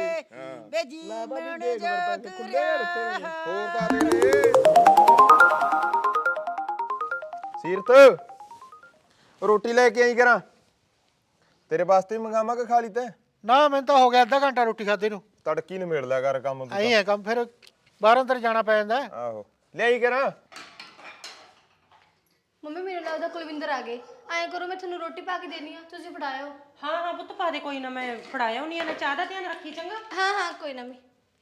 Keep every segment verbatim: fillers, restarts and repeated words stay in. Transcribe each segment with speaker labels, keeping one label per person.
Speaker 1: ਵੇ ਜੀਵਨ ਜੋਗ
Speaker 2: ਹੋਰ ਤਾਂ ਦੇ ਸੀਰਤ ਰੋਟੀ ਲੈ ਕੇ ਆਈ ਕਰਾਂ ਤੇਰੇ ਵਾਸਤੇ ਮੰਗਾਵਾਂ ਕਿ ਖਾ ਲਈ ਤੇ
Speaker 3: ਨਾ ਮੈਨੂੰ ਤਾਂ ਹੋ ਗਿਆ ਅੱਧਾ ਘੰਟਾ ਰੋਟੀ ਖਾਦੇ ਨੂੰ
Speaker 2: ਤੜਕੀ ਨੂੰ ਮੇੜ ਲਿਆ ਕਰ ਕੰਮ ਤੂੰ
Speaker 3: ਆਈ ਹੈ ਕੰਮ ਫਿਰ ਬਾਹਰ ਅੰਦਰ ਜਾਣਾ ਪੈ ਜਾਂਦਾ
Speaker 2: ਆਹੋ ਲਿਆਈ ਕਰਾਂ
Speaker 4: ਮੰਮੀ ਮੇਰੇ ਲੱਗਦਾ ਕੁਲਵਿੰਦਰ ਆ ਗਏ ਐਂ ਕਰੋ ਮੈਂ ਤੁਹਾਨੂੰ ਰੋਟੀ ਪਾ ਕੇ ਦੇਣੀ ਆ ਤੁਸੀਂ ਫੜਾਇਓ
Speaker 5: ਹਾਂ ਹਾਂ ਪੁੱਤ ਪਾ ਦੇ ਕੋਈ ਨਾ ਮੈਂ ਫੜਾਇਆ ਹੁੰਨੀ ਆ ਨਾ ਚਾਹ ਦਾ ਧਿਆਨ ਰੱਖੀ ਚੰਗਾ
Speaker 4: ਹਾਂ ਹਾਂ ਕੋਈ ਨਾ ਮੈਂ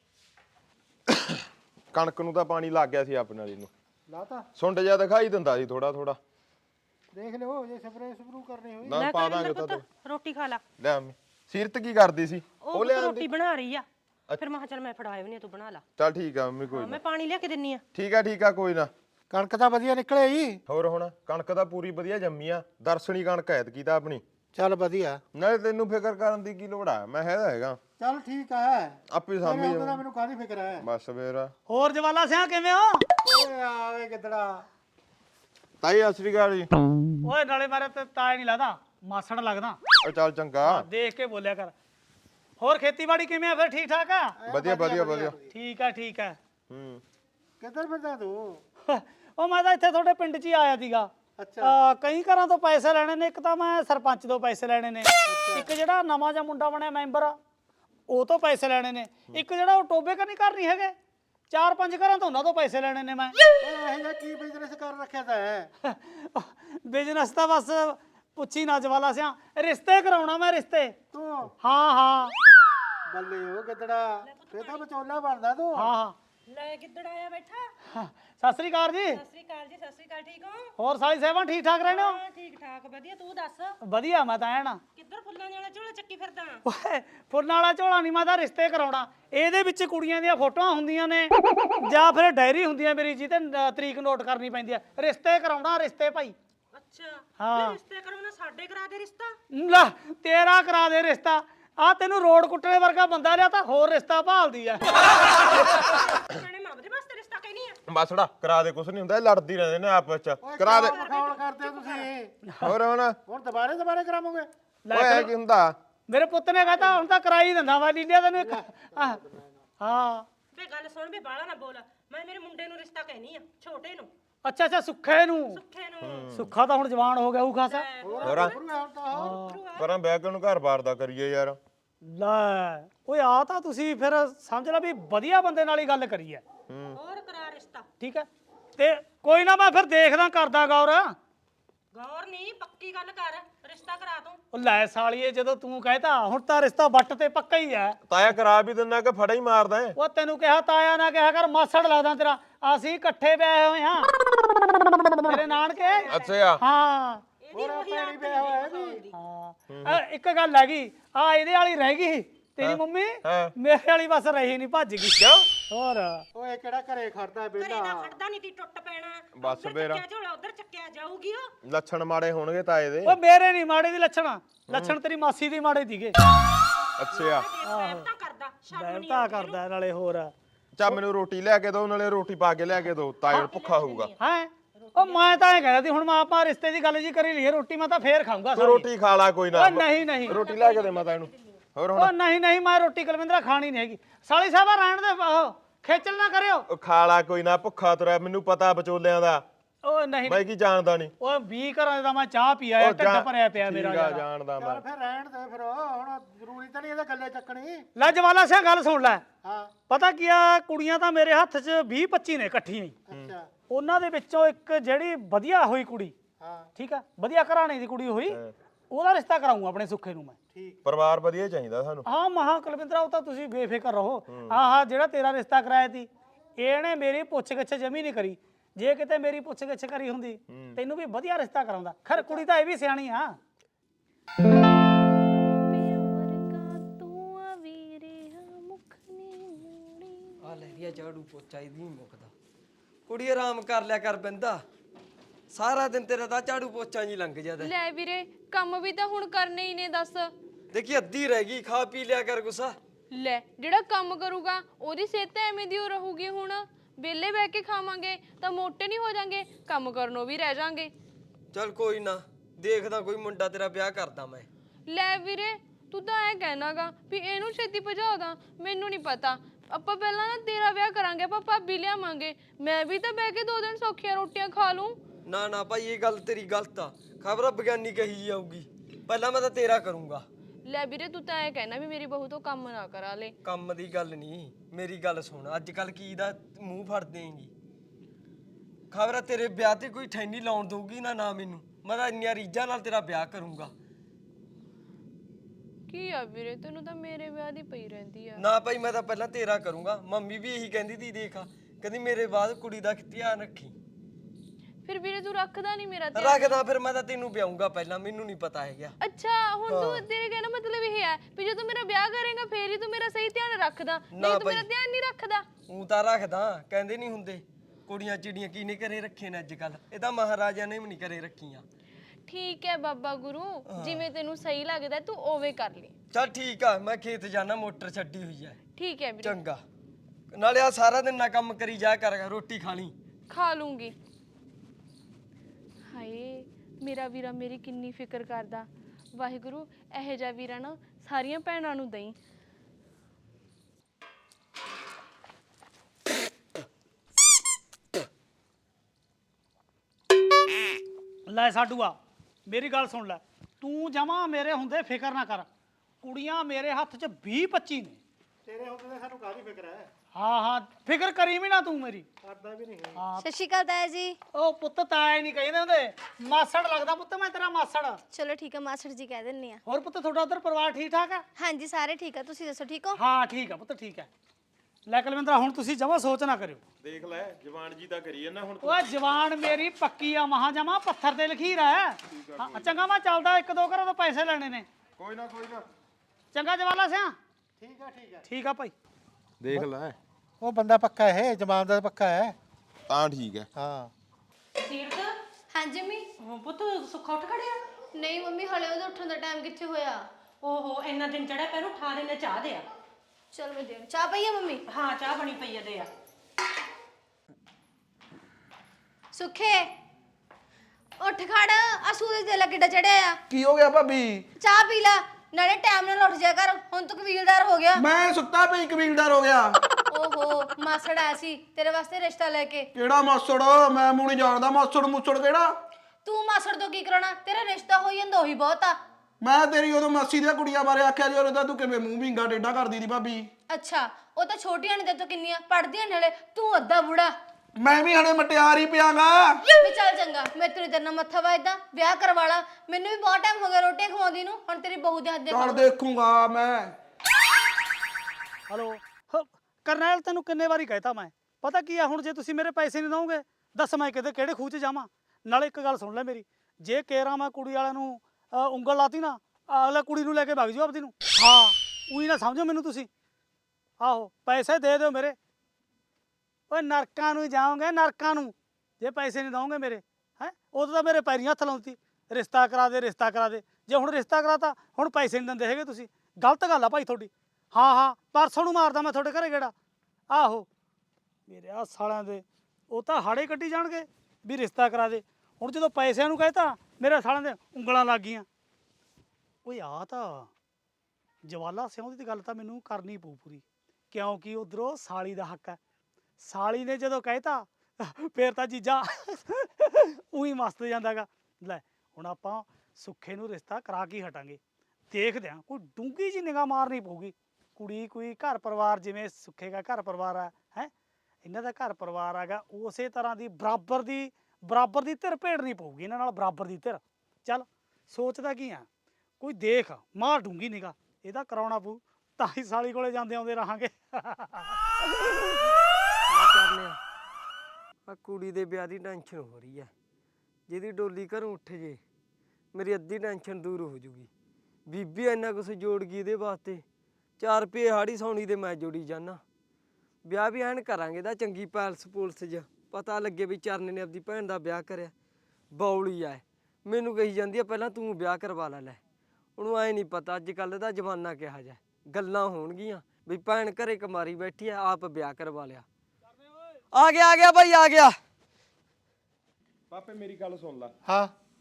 Speaker 2: ਕਣਕ ਨੂੰ ਤਾਂ ਪਾਣੀ ਲੱਗ ਗਿਆ ਸੀ ਆਪਣੇ ਵਾਲੀ ਨੂੰ
Speaker 3: ਲਾਤਾ
Speaker 2: ਸੁੰਡ ਜਿਹਾ ਦਿਖਾਈ ਦਿੰਦਾ ਸੀ ਥੋੜਾ ਥੋੜਾ
Speaker 3: ਦੇਖ ਲਿਓ ਜੇ ਸਪਰੇ ਸਪਰੂ ਕਰਨੀ ਹੋਈ
Speaker 2: ਨਾ ਪਾ ਦਾਂਗੇ ਤਾਂ ਤੂੰ
Speaker 5: ਰੋਟੀ ਖਾ ਲਾ
Speaker 2: ਲੈ ਅੰਮੀ ਸੀਰਤ ਕੀ ਕਰਦੀ ਸੀ
Speaker 5: ਉਹ ਪੁੱਤ ਰੋਟੀ ਬਣਾ ਰਹੀ ਆ ਫਿਰ ਮੈਂ ਕਿਹਾ ਚੱਲ ਮੈਂ ਫੜਾਇਆ ਹੁੰਨੀ ਆ ਤੂੰ ਬਣਾ ਲਾ
Speaker 2: ਚੱਲ ਠੀਕ ਆ ਅੰਮੀ ਕੋਈ
Speaker 5: ਹਾਂ,
Speaker 2: ਨਾ
Speaker 5: ਮੈਂ ਪਾਣੀ ਲਿਆ ਕੇ ਦਿੰਨੀ ਆ
Speaker 2: ਠੀਕ ਆ ਠੀਕ ਆ ਕੋਈ ਨਾ
Speaker 3: ਕਣਕ ਤਾਂ ਵਧੀਆ ਨਿਕਲੇ ਜੀ
Speaker 2: ਹੋਰ ਹੁਣ ਕਣਕ ਤਾਂ ਪੂਰੀ ਵਧੀਆ ਜੰਮੀ ਆ ਦਰਸ਼ਨੀ ਕਣਕ ਐਤਕੀ ਤਾਂ ਆਪਣੀ
Speaker 3: ਚੱਲ ਵਧੀਆ
Speaker 2: ਨਾਲੇ ਤੈਨੂੰ ਫਿਕਰ ਕਰਨ ਦੀ ਕੀ ਲੋੜ ਆ ਮੈਂ ਹੈਗਾ ਹੈਗਾ
Speaker 3: ਚੱਲ ਠੀਕ ਹੈ
Speaker 2: ਆਪੇ ਸਾਹਮਣੇ
Speaker 3: ਉਹਦਾ ਮੈਨੂੰ ਕਾਹਦੀ ਫਿਕਰ ਹੈ
Speaker 2: ਬਸ ਫੇਰ
Speaker 3: ਹੋਰ ਜਵਾਲਾ ਸਿਆ ਕਿਵੇਂ ਹੋ ਓਏ ਆਵੇ ਕਿਦੜਾ
Speaker 2: ਤਾਈ ਅਸਰੀ ਗਾਲ ਜੀ
Speaker 3: ਓਏ ਨਾਲੇ ਮਾਰੇ ਤੇ ਤਾਏ ਨਹੀਂ ਲੱਗਦਾ ਮਾਸੜ ਲੱਗਦਾ
Speaker 2: ਉਹ ਚੱਲ ਚੰਗਾ
Speaker 3: ਦੇਖ ਕੇ ਬੋਲਿਆ ਕਰ ਹੋਰ ਖੇਤੀਬਾੜੀ ਕਿਵੇਂ ਆ ਫਿਰ ਠੀਕ ਠਾਕ ਆ
Speaker 2: ਵਧੀਆ ਵਧੀਆ ਵਧੀਆ
Speaker 3: ਠੀਕ ਆ ਠੀਕ ਆ
Speaker 2: ਹੂੰ
Speaker 3: ਕਿੱਧਰ ਫਿਰਦਾ ਤੂੰ ਉਹ ਮੈਂ ਤਾਂ ਇੱਥੇ ਤੁਹਾਡੇ ਪਿੰਡ 'ਚ ਹੀ ਆਇਆ ਸੀਗਾ ਅੱਛਾ ਕਈ ਘਰਾਂ ਤੋਂ ਪੈਸੇ ਲੈਣੇ ਨੇ ਇੱਕ ਤਾਂ ਮੈਂ ਸਰਪੰਚ ਤੋਂ ਪੈਸੇ ਲੈਣੇ ਨੇ ਇੱਕ ਜਿਹੜਾ ਨਵਾਂ ਜਿਹਾ ਮੁੰਡਾ ਬਣਿਆ ਮੈਂਬਰ ਆ ਉਹ ਤੋਂ ਪੈਸੇ ਲੈਣੇ ਨੇ ਇੱਕ ਜਿਹੜਾ ਉਹ ਟੋਬੇ ਕਰਨੀ ਘਰ ਨਹੀਂ ਹੈਗੇ ਚਾਰ ਪੰਜ ਘਰਾਂ ਤੋਂ ਉਹਨਾਂ ਤੋਂ ਪੈਸੇ ਲੈਣੇ ਨੇ ਮੈਂ ਇਹ ਜਿਹਾ ਕੀ ਬਿਜ਼ਨਸ ਕਰ ਰੱਖਿਆ ਤਾਂ ਹੈ ਬਿਜ਼ਨਸ ਤਾਂ ਬਸ ਪੁੱਛੀ ਨਾ ਜਵਾਲਾ ਸਿਆ ਰਿਸ਼ਤੇ ਕਰਾਉਣਾ ਮੈਂ ਰਿਸ਼ਤੇ ਤੂੰ ਹਾਂ ਹਾਂ ਬੱਲੇ ਉਹ ਕਿਦੜਾ ਫੇਰ ਤਾਂ ਵਿਚੋਲਾ ਬਣਦਾ ਤੂੰ ਹਾਂ ਹਾਂ
Speaker 5: ਲੈ ਕਿੱਧੜ ਆਇਆ ਬੈਠਾ
Speaker 3: ਸਤਿ ਸ੍ਰੀ ਅਕਾਲ ਜੀ
Speaker 5: ਸਤਿ ਸ੍ਰੀ ਅਕਾਲ ਜੀ ਸਤਿ ਸ੍ਰੀ ਅਕਾਲ ਠੀਕ ਹੋ
Speaker 3: ਹੋਰ ਸਾਰੀ ਸੇਵਾ ਠੀਕ ਠਾਕ ਰਹਿਣਾ
Speaker 5: ਹਾਂ ਠੀਕ ਠਾਕ ਵਧੀਆ ਤੂੰ ਦੱਸ
Speaker 3: ਵਧੀਆ ਮੈਂ ਤਾਂ ਐਣਾ
Speaker 5: ਕਿੱਧਰ ਫੁੱਲਾਂ ਵਾਲਾ ਝੋਲਾ ਚੱਕੀ ਫਿਰਦਾ
Speaker 3: ਓਏ ਫੁੱਲਾਂ ਵਾਲਾ ਝੋਲਾ ਨਹੀਂ ਮੈਂ ਤਾਂ ਰਿਸ਼ਤੇ ਕਰਾਉਣਾ ਇਹਦੇ ਵਿੱਚ ਕੁੜੀਆਂ ਦੀਆਂ ਫੋਟੋਆਂ ਹੁੰਦੀਆਂ ਨੇ ਜਾਂ ਫਿਰ ਡਾਇਰੀ ਹੁੰਦੀ ਹੈ ਮੇਰੀ ਜਿਹਤੇ ਤਰੀਕ ਨੋਟ ਕਰਨੀ ਪੈਂਦੀ ਹੈ ਰਿਸ਼ਤੇ ਕਰਾਉਣਾ ਰਿਸ਼ਤੇ ਭਾਈ
Speaker 5: ਅੱਛਾ
Speaker 3: ਹਾਂ
Speaker 5: ਰਿਸ਼ਤੇ ਕਰਾਉਣਾ ਸਾਡੇ ਕਰਾ ਦੇ ਰਿਸ਼ਤਾ
Speaker 3: ਲੈ ਤੇਰਾ ਕਰਾ ਦੇ ਰਿਸ਼ਤਾ ਆ ਤੈਨੂੰ ਰੋਡ ਕੁੱਟਣੇ ਵਰਗਾ ਬੰਦਾ ਲਿਆ ਤਾਂ ਹੋਰ ਰਿਸ਼ਤਾ ਭਾਲਦੀ ਆ
Speaker 5: ਭੈਣੇ ਮਾਂ ਦੇ ਵਾਸਤੇ ਰਿਸ਼ਤਾ ਕਹਿਨੀ ਆ
Speaker 2: ਬਸੜਾ ਕਰਾ ਦੇ ਕੁਛ ਨਹੀਂ ਹੁੰਦਾ ਇਹ ਲੜਦੀ ਰਹਿੰਦੇ ਨੇ ਆਪਸ ਚ ਕਰਾ ਦੇ
Speaker 3: ਮਖੌਲ ਕਰਦੇ ਹੋ ਤੁਸੀਂ
Speaker 2: ਹੋਰ ਹੁਣ
Speaker 3: ਹੁਣ ਦੁਬਾਰੇ ਦੁਬਾਰੇ ਕਰਾਵੋਗੇ
Speaker 2: ਓਏ ਕੀ ਹੁੰਦਾ
Speaker 3: ਮੇਰੇ ਪੁੱਤ ਨੇ ਕਹਤਾ ਹੁਣ ਤਾਂ ਕਰਾ ਹੀ ਦਿੰਦਾ ਵਾ ਲੀਲਿਆ ਤੈਨੂੰ ਇੱਕ ਆਹ, ਹਾਂ
Speaker 5: ਵੇ ਗੱਲ ਸੁਣ ਵੇ ਬਾਲਾ ਨਾ ਬੋਲ ਮੈਂ ਮੇਰੇ ਮੁੰਡੇ ਨੂੰ ਰਿਸ਼ਤਾ ਕਹਿਨੀ ਆ ਛੋਟੇ ਨੂੰ
Speaker 3: ਅੱਛਾ ਅੱਛਾ ਸੁੱਖੇ ਨੂੰ
Speaker 5: ਸੁੱਖੇ ਨੂੰ
Speaker 3: ਸੁੱਖਾ ਤਾਂ ਹੁਣ ਜਵਾਨ ਹੋ ਗਿਆ ਉਹ ਖਾਸਾ
Speaker 2: ਹੋਰ ਪਰਾਂ ਬਹਿ ਕੇ ਨੂੰ ਘਰ-ਬਾਰ ਦਾ ਕਰੀਏ ਯਾਰ
Speaker 3: ਲੈ ਓਏ ਆ ਤਾਂ ਤੁਸੀਂ ਫਿਰ ਸਮਝ ਲੈ ਵੀ ਵਧੀਆ ਬੰਦੇ ਨਾਲ ਹੀ ਗੱਲ ਕਰੀ ਐ
Speaker 5: ਹੋਰ ਕਰਾ ਰਿਸ਼ਤਾ
Speaker 3: ਠੀਕ ਹੈ ਤੇ ਕੋਈ ਨਾ ਮੈਂ ਫਿਰ ਦੇਖਦਾ ਕਰਦਾ ਗੌਰ
Speaker 5: ਗੌਰ ਨਹੀਂ ਪੱਕੀ ਗੱਲ ਕਰ ਰਿਸ਼ਤਾ ਕਰਾ ਦੂੰ
Speaker 3: ਉਹ ਲੈ ਸਾਲੀਏ ਜਦੋਂ ਤੂੰ ਕਹਿਤਾ ਹੁਣ ਤਾਂ ਰਿਸ਼ਤਾ ਵੱਟ ਤੇ ਪੱਕਾ ਹੀ ਐ
Speaker 2: ਤਾਇਆ ਕਰਾ ਵੀ ਦਿੰਦਾ ਕਿ ਫੜਾ ਹੀ ਮਾਰਦਾ ਏ
Speaker 3: ਉਹ ਤੈਨੂੰ ਕਿਹਾ ਤਾਇਆ ਨਾ ਕਿਹਾ ਕਰ ਮਾਸੜ ਲੱਗਦਾ ਤੇਰਾ ਅਸੀਂ ਇਕੱਠੇ ਵਿਆਹੇ ਹੋਏ ਹਾਂ ਮੇਰੇ ਨਾਨਕੇ
Speaker 2: ਅੱਛਾ
Speaker 3: ਹਾਂ
Speaker 5: ਇਹਦੀ ਉਹੀ ਆਦਤ ਨਹੀਂ
Speaker 3: ਹਾਂ ਅ, ਇੱਕ ਗੱਲ ਹੈਗੀ ਆ ਇਹਦੇ ਵਾਲੀ ਰਹਿ ਗਈ ਤੇਰੀ ਮੰਮੀ
Speaker 2: ਹਾਂ।
Speaker 3: ਮੇਰੇ ਵਾਲੀ ਬਸ ਰਹੀ ਨਹੀਂ ਭੱਜ ਗਈ
Speaker 2: ਕਿਉਂ
Speaker 3: ਹੋਰ ਓਏ ਕਿਹੜਾ ਘਰੇ ਖੜਦਾ
Speaker 5: ਘਰੇ ਦਾ ਖੜਦਾ ਨਹੀਂ ਤੀ ਟੁੱਟ ਪੈਣਾ
Speaker 2: ਬਸ
Speaker 5: ਉੱਧਰ
Speaker 2: ਫੇਰ।
Speaker 5: ਚੱਕਿਆ ਝੋਲਾ ਉਧਰ ਚੱਕਿਆ ਜਾਊਗੀ ਉਹ
Speaker 2: ਲੱਛਣ ਮਾੜੇ ਹੋਣਗੇ ਤਾਏ ਦੇ
Speaker 3: ਓ ਮੇਰੇ ਨਹੀਂ ਮਾੜੇ ਦੀ ਲੱਛਣ ਲੱਛਣ ਤੇਰੀ ਮਾਸੀ ਦੀ ਮਾੜੇ ਦੀਗੇ
Speaker 2: ਅੱਛਾ
Speaker 5: ਤਾਂ ਕਰਦਾ ਸ਼ਰਮ ਨਹੀਂ
Speaker 3: ਬੈਠਾ ਕਰਦਾ ਨਾਲੇ ਹੋਰ
Speaker 2: ਚਾ ਮੈਨੂੰ ਰੋਟੀ ਲੈ ਕੇ ਦੋ ਨਾਲੇ ਰੋਟੀ ਪਾ ਕੇ ਲੈ ਕੇ ਦੋ ਤਾਏ ਭੁੱਖਾ ਹੋਊਗਾ
Speaker 3: ਹੈ ਓ ਮੈਂ ਤਾਂ ਇਹ ਕਹਿੰਦਾ ਸੀ ਹੁਣ ਮੈਂ ਆਪਾਂ ਰਿਸ਼ਤੇ ਦੀ ਗੱਲ ਜੀ ਕਰੀ ਲਈਏ ਰੋਟੀ ਮੈਂ ਤਾਂ ਫੇਰ ਖਾਊਂਗਾ
Speaker 2: ਤੂੰ ਰੋਟੀ ਖਾ ਲਾ ਕੋਈ ਨਾ
Speaker 3: ਓ ਨਹੀਂ ਨਹੀਂ
Speaker 2: ਰੋਟੀ ਲੈ ਕੇ ਦੇ ਮਾਤਾ ਇਹਨੂੰ ਹੋਰ ਹੁਣ
Speaker 3: ਓ ਨਹੀਂ ਨਹੀਂ ਮੈਂ ਰੋਟੀ ਕੁਲਵਿੰਦਰਾ ਖਾਣੀ ਨਹੀਂ ਹੈਗੀ ਸਾਲੀ ਸਾਹਿਬਾ ਰਹਿਣ ਦੇ ਉਹ ਖੇਚਲ ਨਾ ਕਰਿਓ
Speaker 2: ਉਹ ਖਾ ਲਾ ਕੋਈ ਨਾ ਭੁੱਖਾ ਤੁਰਿਆ ਮੈਨੂੰ ਪਤਾ ਵਿਚੋਲਿਆਂ ਦਾ
Speaker 3: ਓ ਨਹੀਂ
Speaker 2: ਮੈਂ ਕੀ ਜਾਣਦਾ ਨਹੀਂ
Speaker 3: ਓ ਵੀਹ ਘਰਾਂ ਦਾ ਮੈਂ ਚਾਹ ਪੀ ਆਇਆ ਢਿੱਡ ਭਰਿਆ ਪਿਆ ਮੇਰਾ
Speaker 2: ਠੀਕ ਆ ਜਾਣਦਾ ਮੈਂ
Speaker 3: ਫਿਰ ਰਹਿਣ ਦੇ ਫਿਰ ਹੁਣ ਜ਼ਰੂਰੀ ਤਾਂ ਨਹੀਂ ਇਹਦਾ ਗੱਲੇ ਚੱਕਣੀ ਲੈ ਜਵਾਲਾ ਸਿਆ ਗੱਲ ਸੁਣ ਲੈ ਹਾਂ ਪਤਾ ਕੀ ਆ ਕੁੜੀਆਂ ਤਾਂ ਮੇਰੇ ਹੱਥ 'ਚ ਵੀਹ ਪੱਚੀ ਨੇ ਇਕੱਠੀਆਂ ਹੀ ਅੱਛਾ ਉਹਨਾਂ ਦੇ ਵਿੱਚੋਂ ਇੱਕ ਜਿਹੜੀ ਵਧੀਆ ਹੋਈ ਕੁੜੀ ਹਾਂ ਠੀਕ ਆ ਵਧੀਆ ਘਰਾਣੇ ਦੀ ਕੁੜੀ ਹੋਈ ਉਹਦਾ ਰਿਸ਼ਤਾ ਕਰਾਉਂਗਾ ਆਪਣੇ ਸੁੱਖੇ ਨੂੰ ਮੈਂ ਠੀਕ
Speaker 2: ਪਰਿਵਾਰ ਵਧੀਆ ਚਾਹੀਦਾ ਸਾਨੂੰ
Speaker 3: ਹਾਂ ਮਹਾ ਕੁਲਵਿੰਦਰਾ ਉਹ ਤਾਂ ਤੁਸੀਂ ਬੇਫਿਕਰ ਰਹੋ ਆਹ ਜਿਹੜਾ ਤੇਰਾ ਰਿਸ਼ਤਾ ਕਰਾਇਆ ਸੀ ਇਹਨੇ ਮੇਰੀ ਪੁੱਛ ਗਿੱਛ ਜਮੀ ਨਹੀਂ ਕਰੀ ਜੇ ਕਿਤੇ ਮੇਰੀ ਪੁੱਛ ਗਿੱਛ ਕਰੀ ਹੁੰਦੀ ਤੈਨੂੰ ਵੀ ਵਧੀਆ ਰਿਸ਼ਤਾ ਕਰਾਉਂਦਾ ਖਰ ਕੁੜੀ ਤਾਂ ਇਹ ਵੀ ਸਿਆਣੀ ਆ
Speaker 6: ਆ ਲੈ ਰਿਆ ਝਾੜੂ ਪੋਚਾ ਇਹਦੀ ਮੁੱਕਦਾ ਕੁੜੀ ਆਰਾਮ ਕਰ ਲਿਆ ਕਰ ਬੰਦਾ ਸਾਰਾ ਦਿਨ ਤੇਰਾ ਤਾਂ ਝਾੜੂ ਪੋਚਾ ਜੀ ਲੰਘ ਜਾਂਦਾ
Speaker 4: ਲੈ ਵੀਰੇ ਕੰਮ ਵੀ ਤਾਂ ਹੁਣ ਕਰਨੇ ਹੀ ਨੇ ਦੱਸ
Speaker 6: ਦੇਖੀ ਅੱਧੀ ਰਹਿ ਗਈ ਖਾ ਪੀ ਲਿਆ ਕਰ ਗੁੱਸਾ
Speaker 4: ਲੈ ਜਿਹੜਾ ਕੰਮ ਕਰੂਗਾ ਉਹਦੀ ਸਿਹਤ ਤਾਂ ਐਵੇਂ ਦੀ ਹੋ ਰਹੂਗੀ ਹੁਣ ਵਿਹਲੇ ਬਹਿ ਕੇ ਖਾਵਾਂਗੇ ਤਾਂ ਮੋਟੇ ਨਹੀਂ ਹੋ ਜਾਾਂਗੇ ਕੰਮ ਕਰਨੋਂ ਵੀ ਰਹਿ ਜਾਾਂਗੇ
Speaker 6: ਚੱਲ ਕੋਈ ਨਾ ਦੇਖਦਾ ਕੋਈ ਮੁੰਡਾ ਤੇਰਾ ਵਿਆਹ ਕਰਦਾ ਮੈਂ
Speaker 4: ਲੈ ਵੀਰੇ ਤੂੰ ਤਾਂ ਐ ਕਹਿਣਾਗਾ ਵੀ ਇਹਨੂੰ ਛੇਤੀ ਭਜਾ ਦਾਂ। ਮੈਨੂੰ ਨਹੀਂ ਪਤਾ, ਆਪਾਂ ਪਹਿਲਾਂ ਨਾ ਤੇਰਾ ਵਿਆਹ ਕਰਾਂਗੇ, ਆਪਾਂ ਭਾਬੀ ਲਿਆਵਾਂਗੇ, ਮੈਂ ਵੀ ਤਾਂ ਬਹਿ ਕੇ ਦੋ ਦਿਨ ਸੌਖੀਆਂ ਰੋਟੀਆਂ ਖਾ ਲੂੰ।
Speaker 6: ਨਾ ਨਾ ਭਾਈ ਇਹ ਗੱਲ ਤੇਰੀ ਗਲਤ ਆ। ਖਬਰ ਵਿਗਿਆਨੀ ਕਹੀ ਜੀ ਆਊਗੀ। ਪਹਿਲਾਂ ਮੈਂ ਤਾਂ ਤੇਰਾ ਕਰੂੰਗਾ।
Speaker 4: ਲੈ ਵੀਰੇ ਤੂੰ ਤਾਂ ਐ ਕਹਿਣਾ ਵੀ ਮੇਰੀ ਬਹੂ ਤੋਂ ਕੰਮ ਨਾ ਕਰਾ ਲੈ।
Speaker 6: ਕੰਮ ਦੀ ਗੱਲ ਨਹੀਂ, ਮੇਰੀ ਗੱਲ ਸੁਣ। ਅੱਜ ਕੱਲ ਕੀ ਦਾ ਮੂੰਹ ਫੜ ਦੇਂਗੀ? ਖਬਰ ਆ ਤੇਰੇ ਵਿਆਹ ਤੇ ਕੋਈ ਠੈਨੀ ਲਾਉਣ ਦਊਗੀ ਨਾ ਨਾ ਮੈਨੂੰ। ਮੈਂ ਤਾਂ ਇੰਨੀਆਂ ਰੀਝਾਂ ਨਾਲ ਤੇਰਾ ਵਿਆਹ ਕਰੂੰਗਾ।
Speaker 4: ਕੀ ਆ ਵੀਰੇ, ਤੈਨੂੰ ਤਾਂ ਮੇਰੇ ਵਿਆਹ ਦੀ ਪਈ ਰਹਿੰਦੀ ਆ।
Speaker 6: ਨਾ ਭਾਈ ਮੈਂ ਤਾਂ ਪਹਿਲਾਂ ਤੇਰਾ ਕਰੂੰਗਾ। ਮੰਮੀ ਵੀ ਇਹੀ ਕਹਿੰਦੀ ਤੀ, ਦੇਖ ਕਹਿੰਦੀ ਮੇਰੇ ਬਾਅਦ ਕੁੜੀ ਦਾ ਧਿਆਨ ਰੱਖੀ।
Speaker 4: ਫਿਰ ਵੀਰੇ ਤੂੰ ਰੱਖਦਾ ਨਹੀਂ ਮੇਰਾ ਧਿਆਨ?
Speaker 6: ਰੱਖਦਾ, ਫਿਰ ਮੈਂ ਤਾਂ ਤੈਨੂੰ ਵਿਆਹੂੰਗਾ ਪਹਿਲਾਂ, ਮੈਨੂੰ ਨਹੀਂ ਪਤਾ ਹੈਗਾ।
Speaker 4: ਅੱਛਾ ਹੁਣ ਤੂੰ ਤੇਰੇ ਕਹਿਣਾ ਮਤਲਬ ਇਹ ਹੈ ਵੀ ਜੇ ਤੂੰ ਮੇਰਾ ਵਿਆਹ ਕਰੇਗਾ ਫੇਰ ਹੀ ਤੂੰ ਮੇਰਾ ਸਹੀ ਧਿਆਨ ਰੱਖਦਾ, ਨਹੀਂ ਤੂੰ ਮੇਰਾ ਧਿਆਨ ਨਹੀਂ ਰੱਖਦਾ।
Speaker 6: ਤੂੰ ਤਾਂ ਰੱਖਦਾ, ਕਹਿੰਦੇ ਨਹੀਂ ਹੁੰਦੇ ਕੁੜੀਆਂ ਚਿੜੀਆਂ ਕਿਹਨੇ ਘਰੇ ਰੱਖੇ ਨੇ ਅੱਜ ਕੱਲ। ਇਹ ਤਾਂ ਮਹਾਰਾਜਾ ਨੇ ਵੀ ਨਹੀਂ ਘਰੇ ਰੱਖੀਆਂ।
Speaker 4: ਠੀਕ ਹੈ ਬਾਬਾ ਗੁਰੂ, ਜਿਵੇਂ ਤੈਨੂੰ ਸਹੀ ਲੱਗਦਾ ਤੂੰ ਓਵੇਂ ਕਰ ਲਈ।
Speaker 6: ਚੱਲ ਠੀਕ ਆ, ਮੈਂ ਖੇਤ ਜਾਣਾ, ਮੋਟਰ ਛੱਡੀ ਹੋਈ ਐ।
Speaker 4: ਠੀਕ ਹੈ ਵੀਰੇ।
Speaker 6: ਚੰਗਾ, ਨਾਲੇ ਆ ਸਾਰਾ ਦਿਨ ਨਾ ਕੰਮ ਕਰੀ ਜਾ ਕਰ, ਰੋਟੀ ਖਾ ਲਈ।
Speaker 4: ਖਾ ਲੂੰਗੀ। ਹਾਏ ਮੇਰਾ ਵੀਰਾ ਮੇਰੀ ਕਿੰਨੀ ਫਿਕਰ ਕਰਦਾ। ਵਾਹਿਗੁਰੂ ਇਹੋ ਜਿਹਾ ਵੀਰਾ ਨਾ ਸਾਰੀਆਂ ਭੈਣਾਂ ਨੂੰ ਦੇਈਂ।
Speaker 3: ਲੈ ਸਾਡੂਆ ਮੇਰੀ ਗੱਲ ਸੁਣ ਲੈ, ਤੂੰ ਜਮਾ ਮੇਰੇ ਹੁੰਦੇ ਫਿਕਰ ਨਾ ਕਰ। ਕੁੜੀਆਂ ਮੇਰੇ ਹੱਥ 'ਚ ਵੀਹ ਪੱਚੀ ਨੇ।
Speaker 7: ਤੇਰੇ ਹੁੰਦੇ ਤਾਂ ਸਾਨੂੰ ਕਾਹਦੀ ਫਿਕਰ ਹੈ?
Speaker 3: ਹਾਂ ਹਾਂ ਫਿਕਰ ਕਰੀ ਵੀ ਨਾ ਤੂੰ ਮੇਰੀ।
Speaker 7: ਕਰਦਾ ਵੀ ਨਹੀਂ।
Speaker 3: ਹਾਂ
Speaker 8: ਸਤਿ ਸ਼੍ਰੀ ਅਕਾਲ ਤਾਇਆ ਜੀ।
Speaker 3: ਉਹ ਪੁੱਤ ਤਾਏ ਨਹੀਂ ਕਹਿੰਦੇ ਹੁੰਦੇ, ਮਾਸੜ ਲੱਗਦਾ ਪੁੱਤ ਮੈਂ ਤੇਰਾ ਮਾਸੜ।
Speaker 8: ਚਲੋ ਠੀਕ ਹੈ, ਮਾਸੜ ਜੀ ਕਹਿ ਦਿੰਨੀ ਆ।
Speaker 3: ਹੋਰ ਪੁੱਤ ਤੁਹਾਡਾ ਉਧਰ ਪਰਿਵਾਰ ਠੀਕ ਠਾਕ ਹੈ?
Speaker 8: ਹਾਂਜੀ ਸਾਰੇ ਠੀਕ ਆ, ਤੁਸੀਂ ਦੱਸੋ ਠੀਕ ਹੋ?
Speaker 3: ਹਾਂ ਠੀਕ ਹੈ ਪੁੱਤ ਠੀਕ ਹੈ। ਲੈ ਕੁਲਵਿੰਦਰਾ ਹੁਣ ਤੁਸੀਂ ਜਮਾ ਸੋਚ ਨਾ ਕਰਿਓ।
Speaker 2: ਦੇਖ ਲੈ ਜਵਾਨ ਜੀ ਤਾਂ ਕਰੀ ਜਾਂਦਾ ਹੁਣ।
Speaker 3: ਓਏ ਜਵਾਨ ਮੇਰੀ ਪੱਕੀ ਆ, ਮਹਾ ਜਮਾ ਪੱਥਰ ਤੇ ਲਖੀਰ ਹੈ। ਹਾਂ, ਚੰਗਾ ਮੈਂ ਚੱਲਦਾ, ਇੱਕ ਦੋ ਘਰੋਂ ਤਾਂ ਪੈਸੇ ਲੈਣੇ ਨੇ।
Speaker 2: ਕੋਈ ਨਾ ਕੋਈ ਨਾ।
Speaker 3: ਚੰਗਾ ਜਵਾਲਾ ਸਿਆ।
Speaker 7: ਠੀਕ ਆ ਠੀਕ ਆ
Speaker 3: ਠੀਕ ਆ ਭਾਈ।
Speaker 2: ਦੇਖ ਲੈ
Speaker 7: ਉਹ ਬੰਦਾ ਪੱਕਾ ਹੈ, ਜਮਾਨ ਦਾ ਪੱਕਾ ਹੈ।
Speaker 2: ਤਾਂ ਠੀਕ ਹੈ।
Speaker 7: ਹਾਂ
Speaker 5: ਸੀਰਤ
Speaker 8: ਹਾਂਜੀ ਮੰਮੀ।
Speaker 5: ਪੁੱਤ ਸੁੱਖਾ ਉੱਠ ਖੜਿਆ?
Speaker 8: ਨਹੀਂ ਮੰਮੀ, ਹਲੇ ਉਹਦੇ ਉੱਠਣ ਦਾ ਟਾਈਮ ਕਿੱਥੇ ਹੋਇਆ?
Speaker 5: ਓਹੋ ਇੰਨਾ ਦਿਨ ਚੜਿਆ ਪਿਆ ਨੂੰ ਠਾ ਲੈਣੇ ਚਾਹ ਦੇ ਆ।
Speaker 8: ਚਲ ਮੈਂ ਦੇ ਚਾਹ ਪਈ ਆ ਮੰਮੀ?
Speaker 5: ਹਾਂ ਚਾਹ ਬਣੀ ਪਈ ਆ, ਦੇ ਆ।
Speaker 8: ਸੁੱਖੇ ਉੱਠ ਖੜ, ਆ ਸੂਰਜ ਦੇ ਲੱਗੇ ਚੜਿਆ ਆ।
Speaker 9: ਕੀ ਹੋ ਗਿਆ ਭਾਬੀ?
Speaker 8: ਚਾਹ ਪੀ ਲੈ, ਨਾਲੇ ਟਾਈਮ ਨਾਲ ਉੱਠ ਜਾ ਕਰ, ਹੁਣ ਤੂੰ ਕਬੀਲਦਾਰ ਹੋ ਗਿਆ।
Speaker 9: ਮੈਂ ਸੁੱਤਾ ਪਈ ਕਬੀਲਦਾਰ ਹੋ ਗਿਆ।
Speaker 8: ਓਹੋ ਮਾਸੜ ਆਇਆ ਸੀ ਤੇਰੇ ਵਾਸਤੇ ਰਿਸ਼ਤਾ ਲੈ ਕੇ।
Speaker 9: ਕਿਹੜਾ ਮਾਸੜ? ਮੈਂ ਮੂੰਹ ਨਹੀਂ ਜਾਣਦਾ। ਮਾਸੜ ਮੂਸੜ ਕਿਹੜਾ?
Speaker 8: ਤੂੰ ਮਾਸੜ ਤੋਂ ਕੀ ਕਰਾਉਣਾ, ਤੇਰਾ ਰਿਸ਼ਤਾ ਹੋਈ ਜਾਂਦਾ ਉਹੀ ਬਹੁਤ ਆ।
Speaker 9: ਮੈਂ ਤੇਰੀ ਉਦੋਂ ਮਾਸੀ ਦੀਆਂ ਕੁੜੀਆਂ ਬਾਰੇ ਆਖਿਆ ਜੀ, ਉਹਨੇ ਤਾਂ ਤੂੰ ਕਿਵੇਂ ਮੂੰਹ ਵਿੰਗਾ ਟੇਢਾ ਕਰਦੀ ਦੀ ਭਾਬੀ।
Speaker 8: ਅੱਛਾ ਉਹ ਤਾਂ ਛੋਟੀਆਂ ਨੇ, ਤੇ ਤੋਂ ਕਿੰਨੀਆਂ ਪੜਦੀਆਂ ਨੇ ਹਲੇ, ਤੂੰ ਅੱਧਾ ਬੁੜਾ।
Speaker 9: ਮੈਂ ਵੀ ਹਣੇ ਮਟਿਆਰ ਹੀ ਪਿਆਗਾ।
Speaker 8: ਵੀ ਚੱਲ ਚੰਗਾ, ਮੈਂ ਤੇਰੇ ਤੇ ਨਾ ਮੱਥਾ ਵੱਜਦਾ, ਵਿਆਹ ਕਰਵਾ ਲਾ। ਮੈਨੂੰ ਵੀ ਬਹੁਤ ਟਾਈਮ ਹੋ ਗਿਆ ਰੋਟੀਆਂ ਖਵਾਉਂਦੀ ਨੂੰ, ਹੁਣ ਤੇਰੀ ਬਹੂ ਦੇ ਹੱਥ ਦੇ
Speaker 9: ਚੱਲ ਦੇਖੂੰਗਾ ਮੈਂ।
Speaker 3: ਹਲੋ ਹ, ਕਰਨੈਲ ਤੈਨੂੰ ਕਿੰਨੇ ਵਾਰੀ ਕਹਿਤਾ ਮੈਂ, ਪਤਾ ਕੀ ਆ ਹੁਣ ਜੇ ਤੁਸੀਂ ਮੇਰੇ ਪੈਸੇ ਨਹੀਂ ਦਓਗੇ ਦੱਸ ਮੈਂ ਕਿਤੇ ਕਿਹੜੇ ਖੂਹ 'ਚ ਜਾਵਾਂ। ਨਾਲੇ ਇੱਕ ਗੱਲ ਸੁਣ ਲੈ ਮੇਰੀ, ਜੇ ਕੇਰਾ ਮੈਂ ਕੁੜੀ ਵਾਲਿਆਂ ਨੂੰ ਅ, ਉਂਗਲ ਲਾਤੀ ਨਾ, ਅਗਲਾ ਕੁੜੀ ਨੂੰ ਲੈ ਕੇ ਭੱਜ ਜਾਓ ਆਪਦੀ ਨੂੰ। ਹਾਂ ਉਹੀ ਨਾ ਸਮਝੋ ਮੈਨੂੰ ਤੁਸੀਂ। ਆਹੋ ਪੈਸੇ ਦੇ ਦਿਓ ਮੇਰੇ। ਓਏ ਨਰਕਾਂ ਨੂੰ ਜਾਓਗੇ, ਨਰਕਾਂ ਨੂੰ, ਜੇ ਪੈਸੇ ਨਹੀਂ ਦਓਗੇ ਮੇਰੇ। ਹੈ ਉਦੋਂ ਤਾਂ ਮੇਰੇ ਪੈਰੀਂ ਹੱਥ ਲਾਉਂਦੀ, ਰਿਸ਼ਤਾ ਕਰਾ ਦੇ ਰਿਸ਼ਤਾ ਕਰਾ ਦੇ। ਜੇ ਹੁਣ ਰਿਸ਼ਤਾ ਕਰਾਤਾ ਹੁਣ ਪੈਸੇ ਨਹੀਂ ਦਿੰਦੇ ਹੈਗੇ ਤੁਸੀਂ, ਗਲਤ ਗੱਲ ਆ ਭਾਈ ਤੁਹਾਡੀ। ਹਾਂ ਹਾਂ ਪਰਸੋਂ ਨੂੰ ਮਾਰਦਾ ਮੈਂ ਤੁਹਾਡੇ ਘਰੇ ਗੇੜਾ। ਆਹੋ ਮੇਰੇ ਆ ਸਾਲਿਆਂ ਦੇ, ਉਹ ਤਾਂ ਹਾੜੇ ਕੱਢੀ ਜਾਣਗੇ ਵੀ ਰਿਸ਼ਤਾ ਕਰਾ ਦੇ। ਹੁਣ ਜਦੋਂ ਪੈਸਿਆਂ ਨੂੰ ਕਹਿਤਾ ਮੇਰੇ ਸਾਲਿਆਂ ਦੇ ਉਂਗਲਾਂ ਲੱਗ ਗਈਆਂ। ਓਏ ਆ ਤਾਂ ਜਵਾਲਾ ਸਿਉਂ ਦੀ ਗੱਲ ਤਾਂ ਮੈਨੂੰ ਕਰਨੀ ਪਊ ਪੂਰੀ, ਕਿਉਂਕਿ ਉਧਰੋਂ ਸਾਲੀ ਦਾ ਹੱਕ ਹੈ। ਸਾਲੀ ਨੇ ਜਦੋਂ ਕਹਿਤਾ ਫੇਰ ਤਾਂ ਜੀਜਾ ਉਹੀ ਮਸਤ ਜਾਂਦਾਗਾ। ਲੈ ਹੁਣ ਆਪਾਂ ਸੁੱਖੇ ਨੂੰ ਰਿਸ਼ਤਾ ਕਰਾ ਕੇ ਹਟਾਂਗੇ। ਦੇਖਦੇ ਹਾਂ ਕੋਈ ਡੂੰਘੀ ਜੀ ਨਿਗਾਹ ਮਾਰਨੀ ਪਊਗੀ। ਕੁੜੀ ਕੋਈ ਘਰ ਪਰਿਵਾਰ, ਜਿਵੇਂ ਸੁੱਖੇ ਦਾ ਘਰ ਪਰਿਵਾਰ ਆ, ਹੈ ਇਹਨਾਂ ਦਾ ਘਰ ਪਰਿਵਾਰ ਹੈਗਾ, ਉਸੇ ਤਰ੍ਹਾਂ ਦੀ ਬਰਾਬਰ ਦੀ ਬਰਾਬਰ ਦੀ ਧਿਰ ਭੇੜਨੀ ਪਊਗੀ ਇਹਨਾਂ ਨਾਲ, ਬਰਾਬਰ ਦੀ ਧਿਰ। ਚੱਲ ਸੋਚਦਾ ਕੀ ਆ, ਕੋਈ ਦੇਖ ਮਾਰ ਡੂੰਗੀ ਨਿਗਾਹ, ਇਹਦਾ ਕਰਾਉਣਾ ਪਊ, ਤਾਂ ਹੀ ਸਾਲੀ ਕੋਲੇ ਜਾਂਦੇ ਆਉਂਦੇ ਰਹਾਂਗੇ।
Speaker 6: ਕਰਨੇ ਆ ਕੁੜੀ ਦੇ ਵਿਆਹ ਦੀ ਟੈਨਸ਼ਨ ਹੋ ਰਹੀ ਹੈ। ਜਿਹਦੀ ਡੋਲੀ ਘਰੋਂ ਉੱਠ ਜੇ ਮੇਰੀ ਅੱਧੀ ਟੈਨਸ਼ਨ ਦੂਰ ਹੋ ਜੂਗੀ। ਬੀਬੀ ਇੰਨਾ ਕੁਛ ਜੋੜ ਗਈ ਇਹਦੇ ਵਾਸਤੇ, ਚਾਰ ਰੁਪਏ ਹਾੜੀ ਸੌਣੀ ਦੇ ਮੈਂ ਜੋੜੀ ਜਾਨਾ। ਵਿਆਹ ਵੀ ਐਨ ਕਰਾਂਗੇ ਦਾ ਚੰਗੀ ਪੈਲਸ ਪੁਲਸ 'ਚ, ਪਤਾ ਲੱਗੇ ਵੀ ਚਰਨ ਨੇ ਆਪਦੀ ਭੈਣ ਦਾ ਵਿਆਹ ਕਰਿਆ। ਬੌਲੀ ਆ ਮੈਨੂੰ ਕਹੀ ਜਾਂਦੀ ਆ ਪਹਿਲਾਂ ਤੂੰ ਵਿਆਹ ਕਰਵਾ ਲੈ। ਲੈ ਉਹਨੂੰ ਐ ਨਹੀਂ ਪਤਾ ਅੱਜ ਕੱਲ੍ਹ ਦਾ ਜ਼ਮਾਨਾ ਕਿਹਾ ਜਾ, ਗੱਲਾਂ ਹੋਣਗੀਆਂ ਵੀ ਭੈਣ ਘਰੇ ਕਮਾਰੀ ਬੈਠੀ ਆ, ਆਪ ਵਿਆਹ ਕਰਵਾ ਲਿਆ। ਆ ਗਿਆ ਆ ਗਿਆ ਭਾਈ ਆ ਗਿਆ।
Speaker 2: ਪਾਪੇ ਮੇਰੀ ਗੱਲ ਸੁਣ ਲੈ।
Speaker 7: ਹਾਂ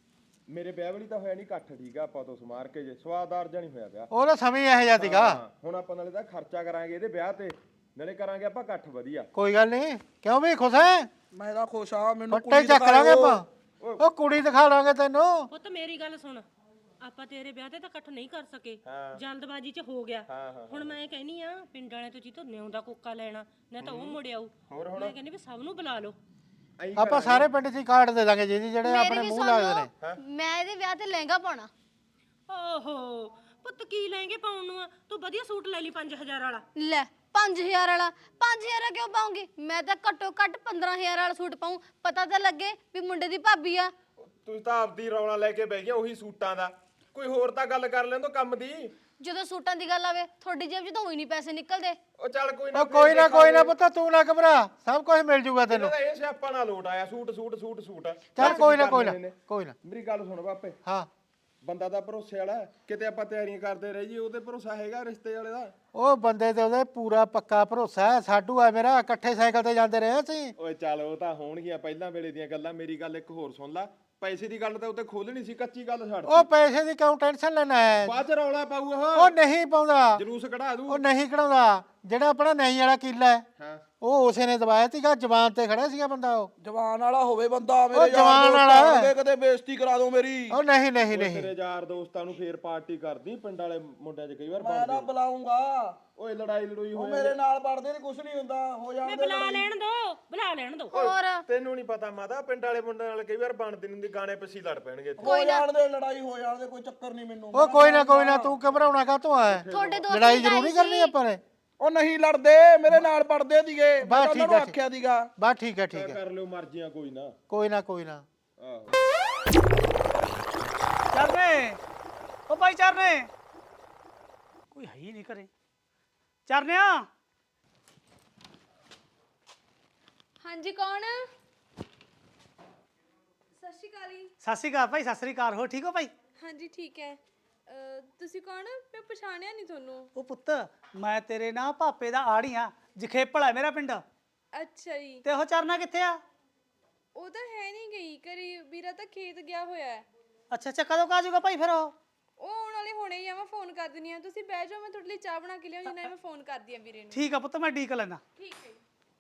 Speaker 2: ਮੇਰੇ ਵਿਆਹ ਵਾਲੀ ਤਾਂ ਹੋਇਆ ਨਹੀਂ ਇਕੱਠ, ਠੀਕ ਆ, ਆਪਾਂ ਤੋਂ ਸਮਾਰ ਕੇ ਜੇ ਸਵਾਦਦਾਰ ਜਾਂ ਨਹੀਂ ਹੋਇਆ ਵਿਆਹ।
Speaker 7: ਉਹਦਾ ਸਮੇਂ ਇਹੋ ਜਿਹਾ ਸੀਗਾ।
Speaker 2: ਹਾਂ, ਹੁਣ ਆਪਾਂ ਨਾਲੇ ਤਾਂ ਖਰਚਾ ਕਰਾਂਗੇ ਇਹਦੇ ਵਿਆਹ ਤੇ, ਨਾਲੇ ਕਰਾਂਗੇ ਆਪਾਂ ਇਕੱਠ ਵਧੀਆ।
Speaker 7: ਕੋਈ ਗੱਲ ਨਹੀਂ, ਕਿਉਂ ਵੀ ਖੁਸ਼ ਹੈ?
Speaker 9: ਮੈਂ ਤਾਂ ਖੁਸ਼ ਆ, ਮੈਨੂੰ
Speaker 7: ਫੱਟੇ ਚੱਕ ਲਾਂਗੇ ਆਪਾਂ, ਉਹ ਕੁੜੀ ਦਿਖਾ ਲਾਂਗੇ ਤੈਨੂੰ।
Speaker 5: ਪੁੱਤ ਮੇਰੀ ਗੱਲ ਸੁਣ, ਆਪਾਂ ਤੇਰੇ ਵਿਆਹ ਤੇ ਤਾਂ ਇਕੱਠ ਨਹੀਂ ਕਰ ਸਕੇ, ਜਲਦਬਾਜ਼ੀ 'ਚ ਹੋ ਗਿਆ। ਹੁਣ ਮੈਂ ਕਹਿੰਨੀ ਆ ਪਿੰਡ ਵਾਲਿਆਂ ਤੋਂ ਜੀ ਤੋਂ ਨਿਉਂ ਦਾ ਕੋਕਾ ਲੈਣਾ, ਨਾ ਤਾਂ ਉਹ ਮੁੜ ਆਊ। ਮੈਂ ਕਹਿੰਦੀ ਵੀ ਸਭ ਨੂੰ ਬੁਲਾ ਲਓ।
Speaker 7: ਆਪਾਂ ਸਾਰੇ ਪਿੰਡ 'ਚ ਹੀ ਕਾਰਡ ਦੇ ਦਾਂਗੇ ਜਿਹਦੀ ਜਿਹੜੇ ਆਪਣੇ
Speaker 8: ਮੇਰੀ ਵੀ
Speaker 7: ਮੂੰਹ
Speaker 8: ਸੁਣ
Speaker 7: ਲੱਗਦੇ
Speaker 8: ਲਓ,
Speaker 7: ਨੇ।
Speaker 8: ਮੈਂ ਇਹਦੇ ਵਿਆਹ ਤੇ ਲਹਿੰਗਾ ਪਾਉਣਾ।
Speaker 5: ਓਹੋ ਪੁੱਤ ਕੀ ਲਹਿੰਗੇ ਪਾਉਣ ਨੂੰ ਆ, ਤੂੰ ਵਧੀਆ ਸੂਟ ਲੈ ਲਈ ਪੰਜ ਹਜ਼ਾਰ ਵਾਲਾ।
Speaker 8: ਲੈ ਪੰਜ ਹਜ਼ਾਰ ਵਾਲਾ, ਪੰਜ ਹਜ਼ਾਰ ਕਿਉਂ ਪਾਉਂਗੀ? ਮੈਂ ਤਾਂ ਘੱਟੋ ਘੱਟ ਪੰਦਰਾਂ ਹਜ਼ਾਰ ਵਾਲਾ ਸੂਟ ਪਾਉਂ, ਪਤਾ ਤਾਂ ਲੱਗੇ ਵੀ ਮੁੰਡੇ ਦੀ ਭਾਬੀ ਆ।
Speaker 2: ਤੁਸੀਂ ਤਾਂ ਆਪਦੀ ਰੌਲਾ ਲੈ ਕੇ ਬਹਿ ਗਿਆ ਉਹੀ ਸੂਟਾਂ ਦਾ, ਕੋਈ ਹੋਰ ਤਾਂ ਗੱਲ ਕਰ ਲੈਣ ਤੋਂ ਕੰਮ ਦੀ।
Speaker 8: ਜਦੋਂ ਸੂਟਾਂ ਦੀ ਗੱਲ ਆਵੇ ਤੁਹਾਡੀ ਜੇਬ 'ਚ ਤਾਂ ਉਹੀ ਨਹੀਂ ਪੈਸੇ ਨਿਕਲਦੇ।
Speaker 2: ਉਹ ਚੱਲ ਕੋਈ ਨਾ,
Speaker 7: ਉਹ ਕੋਈ ਨਾ ਕੋਈ ਨਾ ਪੁੱਤ, ਤੂੰ ਨਾ ਘਬਰਾ, ਸਭ ਕੁਝ ਮਿਲ ਜੂਗਾ ਤੈਨੂੰ।
Speaker 2: ਇਹ ਸਿਆਪਾ ਨਾ ਲੋਟ ਆਇਆ, ਸੂਟ ਸੂਟ ਸੂਟ ਸੂਟ।
Speaker 7: ਚੱਲ ਕੋਈ ਨਾ ਕੋਈ ਨਾ ਕੋਈ ਨਾ।
Speaker 2: ਮੇਰੀ ਗੱਲ ਸੁਣ ਬਾਪੇ,
Speaker 7: ਹਾਂ
Speaker 2: ਬੰਦਾ ਤਾਂ ਭਰੋਸੇ ਵਾਲਾ, ਕਿਤੇ ਆਪਾਂ ਤਿਆਰੀਆਂ ਕਰਦੇ ਰਹੀਏ ਉਹਦੇ ਭਰੋਸਾ ਹੈਗਾ ਰਿਸ਼ਤੇ ਵਾਲੇ ਦਾ।
Speaker 7: ਉਹ ਬੰਦੇ ਤੇ ਉਹਦੇ ਪੂਰਾ ਪੱਕਾ ਭਰੋਸਾ ਹੈ। ਸਾਡੂ ਆ ਮੇਰਾ, ਇਕੱਠੇ ਸਾਈਕਲ ਤੇ ਜਾਂਦੇ ਰਹੇ ਅਸੀਂ।
Speaker 2: ਓਏ ਚੱਲ ਉਹ ਤਾਂ ਹੋਣਗੀਆਂ ਪਹਿਲਾਂ ਵੇਲੇ ਦੀਆਂ ਗੱਲਾਂ, ਮੇਰੀ ਗੱਲ ਇੱਕ ਹੋਰ ਸੁਣ ਲੈ। ਪੈਸੇ ਦੀ ਗੱਲ ਤਾਂ ਉੱਤੇ ਖੋਲਣੀ ਸੀ, ਕੱਚੀ ਗੱਲ ਛੱਡ।
Speaker 7: ਉਹ ਪੈਸੇ ਦੀ ਕਿਉਂ ਟੈਨਸ਼ਨ ਲੈਣਾ ਹੈ?
Speaker 2: ਬਾਅਦ ਚ ਰੌਲਾ ਪਾਊ ਉਹ
Speaker 7: ਉਹ ਨਹੀਂ ਪਾਉਂਦਾ,
Speaker 2: ਜਲੂਸ ਕਢਾ ਦੂ।
Speaker 7: ਉਹ ਨਹੀਂ ਕਢਾਉਂਦਾ। ਜਿਹੜਾ ਆਪਣਾ ਨਹੀਂ ਵਾਲਾ ਕਿੱਲਾ ਹੈ,
Speaker 2: ਹਾਂ
Speaker 7: ਉਹ ਉਸੇ ਨੇ ਦਵਾਇਆ ਸੀਗਾ, ਜ਼ਬਾਨ ਤੇ ਖੜਾ ਸੀਗਾ ਬੰਦਾ। ਉਹ
Speaker 9: ਜਵਾਨ ਵਾਲਾ ਹੋਵੇ ਬੰਦਾ,
Speaker 7: ਉਹ
Speaker 9: ਮੇਰੇ
Speaker 7: ਜਵਾਨ
Speaker 9: ਯਾਰ
Speaker 7: ਵਾਲਾ
Speaker 9: ਦੋਸਤ
Speaker 7: ਹੈ।
Speaker 9: ਆਉਣਗੇ, ਕਦੇ ਬੇਇੱਜ਼ਤੀ ਕਰਾ ਦਿਓ ਮੇਰੀ।
Speaker 7: ਉਹ ਨਹੀਂ ਨਹੀਂ ਨਹੀਂ,
Speaker 2: ਤੇਰੇ ਯਾਰ ਦੋਸਤਾਂ ਨੂੰ ਫੇਰ ਪਾਰਟੀ ਕਰਦੀ, ਪਿੰਡ ਵਾਲੇ ਮੁੰਡਿਆਂ 'ਚ ਕਈ ਵਾਰ
Speaker 9: ਮੈਂ ਨਾ
Speaker 2: ਬਣਦੀ।
Speaker 9: ਬੁਲਾਉਂਗਾ,
Speaker 2: ਓਏ ਲੜਾਈ ਲੜੂਈ
Speaker 9: ਉਹ
Speaker 2: ਹੋਏ
Speaker 9: ਮੇਰੇ ਨਾਲ ਪੜਦੇ ਨੇ, ਕੁਝ ਨਹੀਂ ਹੁੰਦਾ, ਹੋ
Speaker 5: ਮੈਂ
Speaker 9: ਜਾਂਦੇ
Speaker 5: ਬੁਲਾ ਲੈਣ ਦੋ, ਬੁਲਾ ਲੈਣ ਦੋ।
Speaker 8: ਹੋਰ
Speaker 2: ਤੈਨੂੰ ਨਹੀਂ ਪਤਾ ਮਾਤਾ, ਪਿੰਡ ਵਾਲੇ ਮੁੰਡਿਆਂ ਨਾਲ ਕਈ ਵਾਰ ਬਣਦੀ ਨਹੀਂ ਹੁੰਦੀ, ਗਾਣੇ ਪਿੱਛੇ ਲੜ ਪੈਣਗੇ ਇੱਥੇ।
Speaker 9: ਹੋ ਜਾਣਦੇ, ਲੜਾਈ ਹੋ ਜਾਣਦੇ, ਕੋਈ ਚੱਕਰ ਨਹੀਂ ਮੈਨੂੰ।
Speaker 7: ਉਹ ਕੋਈ ਨਾ ਕੋਈ ਨਾ, ਤੂੰ ਘਬਰਾਉਣਾ ਕਾਹਤੋਂ ਆ?
Speaker 8: ਤੁਹਾਡੇ ਦੋਸਤ
Speaker 7: ਲੜਾਈ ਜ਼ਰੂਰੀ ਕਰਨੀ ਆਪਾਂ ਨੇ।
Speaker 9: ਉਹ ਨਹੀਂ ਲੜਦੇ, ਮੇਰੇ ਨਾਲ ਪੜਦੇ ਸੀਗੇ, ਮੈਂ
Speaker 7: ਬਸ
Speaker 9: ਤਾਂ
Speaker 7: ਠੀਕ
Speaker 9: ਉਹਨਾਂ ਨੂੰ
Speaker 7: ਹੈ,
Speaker 9: ਆਖਿਆ ਸੀਗਾ।
Speaker 7: ਬਸ ਠੀਕ ਹੈ ਠੀਕ ਹੈ,
Speaker 2: ਕਰ ਲਿਓ ਮਰਜ਼ੀਆਂ, ਕੋਈ ਨਾ।
Speaker 7: ਕੋਈ ਨਾ ਕੋਈ ਨਾ।
Speaker 2: ਆਹੋ
Speaker 3: ਚਰਨੇ, ਉਹ ਭਾਈ ਚਰਨੇ, ਕੋਈ ਹੈ ਹੀ ਨਹੀਂ ਘਰੇ। ਚਰਨਿਆ,
Speaker 4: ਹਾਂਜੀ ਕੌਣ? ਸਤਿ ਸ਼੍ਰੀ ਅਕਾਲ ਜੀ।
Speaker 3: ਸਤਿ ਸ਼੍ਰੀ ਅਕਾਲ ਭਾਈ, ਸਤਿ ਸ਼੍ਰੀ ਅਕਾਲ। ਹੋ ਠੀਕ ਹੋ ਭਾਈ?
Speaker 4: ਹਾਂਜੀ ਠੀਕ ਹੈ। ਅਹ, ਤੁਸੀਂ ਕੌਣ? ਮੈਂ ਪਛਾਣਿਆ ਨਹੀਂ ਤੁਹਾਨੂੰ।
Speaker 3: ਉਹ ਪੁੱਤ, ਮੈਂ ਤੇਰੇ ਨਾ ਭਾਪੇ ਦਾ ਆੜੀ ਆ, ਜਖੇਪਲ ਹੈ ਮੇਰਾ ਪਿੰਡ।
Speaker 4: ਅੱਛਾ ਜੀ।
Speaker 3: ਤੇ ਉਹ ਚਰਨਾ ਕਿੱਥੇ ਆ?
Speaker 4: ਉਹ ਤਾਂ ਹੈ ਨਹੀਂ ਗਈ ਘਰੇ, ਵੀਰਾ ਤਾਂ ਖੇਤ ਗਿਆ ਹੋਇਆ ਹੈ।
Speaker 3: ਅੱਛਾ ਅੱਛਾ, ਕਦੋਂ ਕਾ ਜਾਊਗਾ ਭਾਈ ਫਿਰ ਉਹ?
Speaker 4: ਉਹ ਆਉਣ ਵਾਲੇ ਹੁਣੇ ਹੀ ਆ, ਮੈਂ ਫੋਨ ਕਰ ਦਿੰਦੀ ਆ। ਤੁਸੀਂ ਬਹਿ ਜਾਓ, ਮੈਂ ਤੁਹਾਡੇ ਲਈ ਚਾਹ ਬਣਾ ਕੇ ਲਿਆਉਂਦੀ ਨਾ, ਮੈਂ ਫੋਨ ਕਰਦੀ ਆ ਵੀਰੇ ਨੂੰ।
Speaker 3: ਠੀਕ ਆ ਪੁੱਤ, ਮੈਂ ਡੀਕ ਲੈਣਾ।
Speaker 4: ਠੀਕ ਹੈ।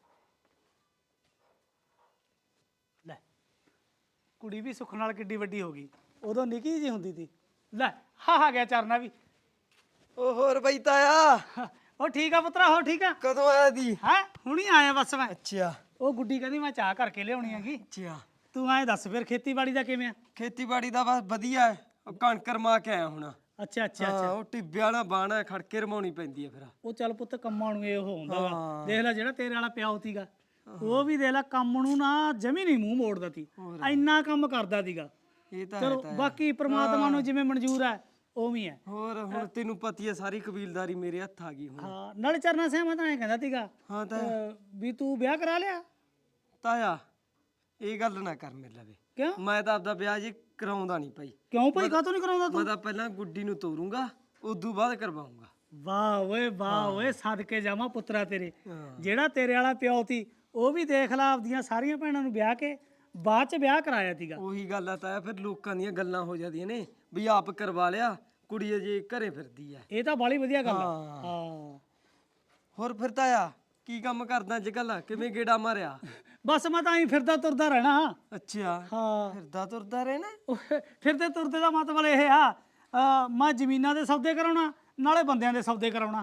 Speaker 3: ਲੈ, ਕੁੜੀ ਵੀ ਸੁੱਖ ਨਾਲ ਕਿੱਡੀ ਵੱਡੀ ਹੋ ਗਈ, ਉਦੋਂ ਨਿੱਕੀ ਜਿਹੀ ਹੁੰਦੀ ਸੀ। ਲੈ ਹਾਂ ਹਾਂ, ਗਿਆ ਚਰਨਾ ਵੀ।
Speaker 6: ਉਹ ਹੋਰ ਬਈ ਤਾਇਆ,
Speaker 3: ਉਹ ਠੀਕ ਆ ਪੁੱਤਰਾ, ਹੋ ਠੀਕ ਆ?
Speaker 6: ਕਦੋਂ ਆਇਆ ਦੀ?
Speaker 3: ਹੈ ਹੁਣੀ ਆਇਆ ਬਸ ਮੈਂ।
Speaker 6: ਅੱਛਾ
Speaker 3: ਉਹ ਗੁੱਡੀ ਕਹਿੰਦੀ ਮੈਂ ਚਾਹ ਕਰਕੇ ਲਿਆਉਣੀ ਹੈਗੀ।
Speaker 6: ਅੱਛਾ,
Speaker 3: ਤੂੰ ਐਂ ਦੱਸ ਫਿਰ ਖੇਤੀਬਾੜੀ ਦਾ ਕਿਵੇਂ ਆ?
Speaker 6: ਖੇਤੀਬਾੜੀ ਦਾ ਬਸ ਵਧੀਆ ਹੈ। ਉਹ ਕਣਕ ਰਮਾ ਕੇ ਆਇਆ ਹੁਣ।
Speaker 3: ਅੱਛਾ ਅੱਛਾ
Speaker 6: ਹਾਂ,
Speaker 3: ਅੱਛਾ।
Speaker 6: ਉਹ ਟਿੱਬੇ ਵਾਲਾ ਬਾਣਾ ਖੜਕੇ ਰਮਾਉਣੀ ਪੈਂਦੀ ਹੈ ਫਿਰ।
Speaker 3: ਉਹ ਚੱਲ ਪੁੱਤ ਕੰਮਾਂ ਨੂੰ ਇਹ ਹੁੰਦਾ ਵਾ।
Speaker 6: ਹਾਂ।
Speaker 3: ਦੇਖ ਲੈ ਜਿਹੜਾ ਤੇਰੇ ਵਾਲਾ ਪਿਓ ਸੀਗਾ, ਉਹ ਵੀ ਦੇਖ ਲੈ ਕੰਮ ਨੂੰ ਨਾ ਜਮੀ ਨਹੀਂ ਮੂੰਹ ਮੋੜਦਾ ਸੀ, ਇੰਨਾ ਕੰਮ ਕਰਦਾ ਸੀਗਾ।
Speaker 6: ਇਹ ਤਾਂ
Speaker 3: ਚਲੋ
Speaker 6: ਹੈ ਤਾਇਆ।
Speaker 3: ਬਾਕੀ ਪ੍ਰਮਾਤਮਾ ਨੂੰ ਜਿਵੇਂ ਮਨਜ਼ੂਰ ਹੈ ਉਵੇਂ ਹੈ।
Speaker 6: ਹੋਰ ਹੁਣ ਤੈਨੂੰ ਪਤੀ ਹੈ, ਸਾਰੀ ਕਬੀਲਦਾਰੀ ਮੇਰੇ ਹੱਥ ਆ ਗਈ ਹੁਣ।
Speaker 3: ਹਾਂ, ਨਾਲੇ ਚਰਨਾ ਸਿਆ ਮੈਂ ਤਾਂ ਐਂ ਕਹਿੰਦਾ ਸੀਗਾ
Speaker 6: ਹਾਂ ਤਾਂ
Speaker 3: ਅਹ, ਵੀ ਤੂੰ ਵਿਆਹ ਕਰਾ ਲਿਆ?
Speaker 6: ਤਾਇਆ ਇਹ ਗੱਲ ਨਾ ਕਰ ਮੇਰੇ ਲਵੇ।
Speaker 3: ਕਿਉਂ
Speaker 6: ਮੈਂ ਤਾਂ ਆਪਦਾ ਵਿਆਹ ਜੀ ਕਰਾਉਂਦਾ ਨਹੀਂ ਭਾਈ।
Speaker 3: ਕਿਉਂ ਭਾਈ ਕਾਹਤੋਂ ਨਹੀਂ ਕਰਾਉਂਦਾ ਤੂੰ?
Speaker 6: ਮੈਂ ਤਾਂ ਪਹਿਲਾਂ ਗੁੱਡੀ ਨੂੰ ਤੋਰੂੰਗਾ, ਉਦੋਂ ਬਾਅਦ ਕਰਵਾਉਂਗਾ।
Speaker 3: ਵਾਹ ਓਏ ਵਾਹ ਓਏ, ਸਦਕੇ ਜਾਵਾਂ ਪੁੱਤਰਾ ਤੇਰੇ।
Speaker 6: ਹਾਂ।
Speaker 3: ਜਿਹੜਾ ਤੇਰੇ ਵਾਲਾ ਪਿਓ ਸੀ, ਉਹ ਵੀ ਦੇਖ ਲਾ ਆਪਦੀਆਂ ਸਾਰੀਆਂ ਭੈਣਾਂ ਨੂੰ ਵਿਆਹ ਕੇ ਬਾਅਦ ਚ ਵਿਆਹ ਕਰਾਇਆ ਸੀਗਾ।
Speaker 6: ਉਹੀ ਗੱਲ ਆ ਤਾਇਆ, ਫਿਰ ਲੋਕਾਂ ਦੀਆਂ ਗੱਲਾਂ ਹੋ ਜਾਂਦੀਆਂ ਨੇ ਵੀ ਆਪ ਕਰਵਾ ਲਿਆ, ਕੁੜੀ ਅਜੇ ਘਰੇ ਫਿਰਦੀ ਆ।
Speaker 3: ਇਹ ਤਾਂ ਬਾਲੀ ਵਧੀਆ ਗੱਲ ਆ।
Speaker 6: ਹਾਂ।
Speaker 3: ਹਾਂ,
Speaker 6: ਹੋਰ ਫਿਰ ਤਾਇਆ ਕੀ ਕੰਮ ਕਰਦਾ ਅੱਜ ਕੱਲ? ਕਿਵੇਂ ਗੇੜਾ ਮਾਰਿਆ?
Speaker 3: ਬਸ ਮੈਂ ਤਾਂ ਐਂ ਫਿਰਦਾ ਤੁਰਦਾ ਰਹਿਣਾ।
Speaker 6: ਅੱਛਾ,
Speaker 3: ਹਾਂ,
Speaker 6: ਫਿਰਦਾ ਤੁਰਦਾ ਰਹਿਣਾ।
Speaker 3: ਉਹ ਫਿਰਦੇ ਤੁਰਦੇ ਦਾ ਮਤਲਬ ਇਹ ਆ, ਅਹ, ਮੈਂ ਜ਼ਮੀਨਾਂ ਦੇ ਸੌਦੇ ਕਰਾਉਣਾ, ਨਾਲੇ ਬੰਦਿਆਂ ਦੇ ਸੌਦੇ ਕਰਾਉਣਾ।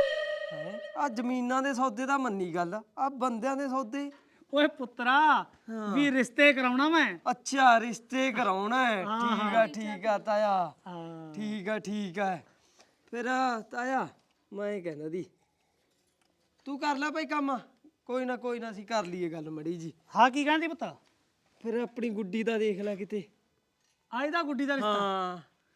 Speaker 6: ਆ ਜ਼ਮੀਨਾਂ ਦੇ ਸੌਦੇ ਦਾ ਮੰਨੀ ਗੱਲ, ਆ ਬੰਦਿਆਂ ਦੇ ਸੌਦੇ।
Speaker 3: ਓਏ ਪੁੱਤਰਾ, ਵੀ ਰਿਸ਼ਤੇ ਕਰਾਉਣਾ ਮੈਂ।
Speaker 6: ਅੱਛਾ, ਰਿਸ਼ਤੇ ਕਰਾਉਣਾ ਹੈ। ਠੀਕ ਆ ਠੀਕ ਆ ਤਾਇਆ,
Speaker 3: ਹਾਂ,
Speaker 6: ਠੀਕ ਆ ਠੀਕ ਆ। ਫਿਰ ਤਾਇਆ ਮੈਂ ਇਹ ਕਹਿੰਦਾ ਦੀ, ਤੂੰ ਕਰ ਲੈ ਭਾਈ ਕੰਮ। ਕੋਈ ਨਾ ਕੋਈ ਨਾ, ਅਸੀਂ ਕਰ ਲਈਏ ਗੱਲ ਮੜੀ ਜੀ।
Speaker 3: ਹਾਂ ਕੀ ਕਹਿੰਦੀ ਪੁੱਤ?
Speaker 6: ਫਿਰ ਆਪਣੀ ਗੁੱਡੀ ਦਾ ਦੇਖ ਲੈ ਕਿਤੇ।
Speaker 3: ਆਏ ਦਾ ਗੁੱਡੀ ਦਾ ਰਿਸ਼ਤਾ?
Speaker 6: ਹਾਂ,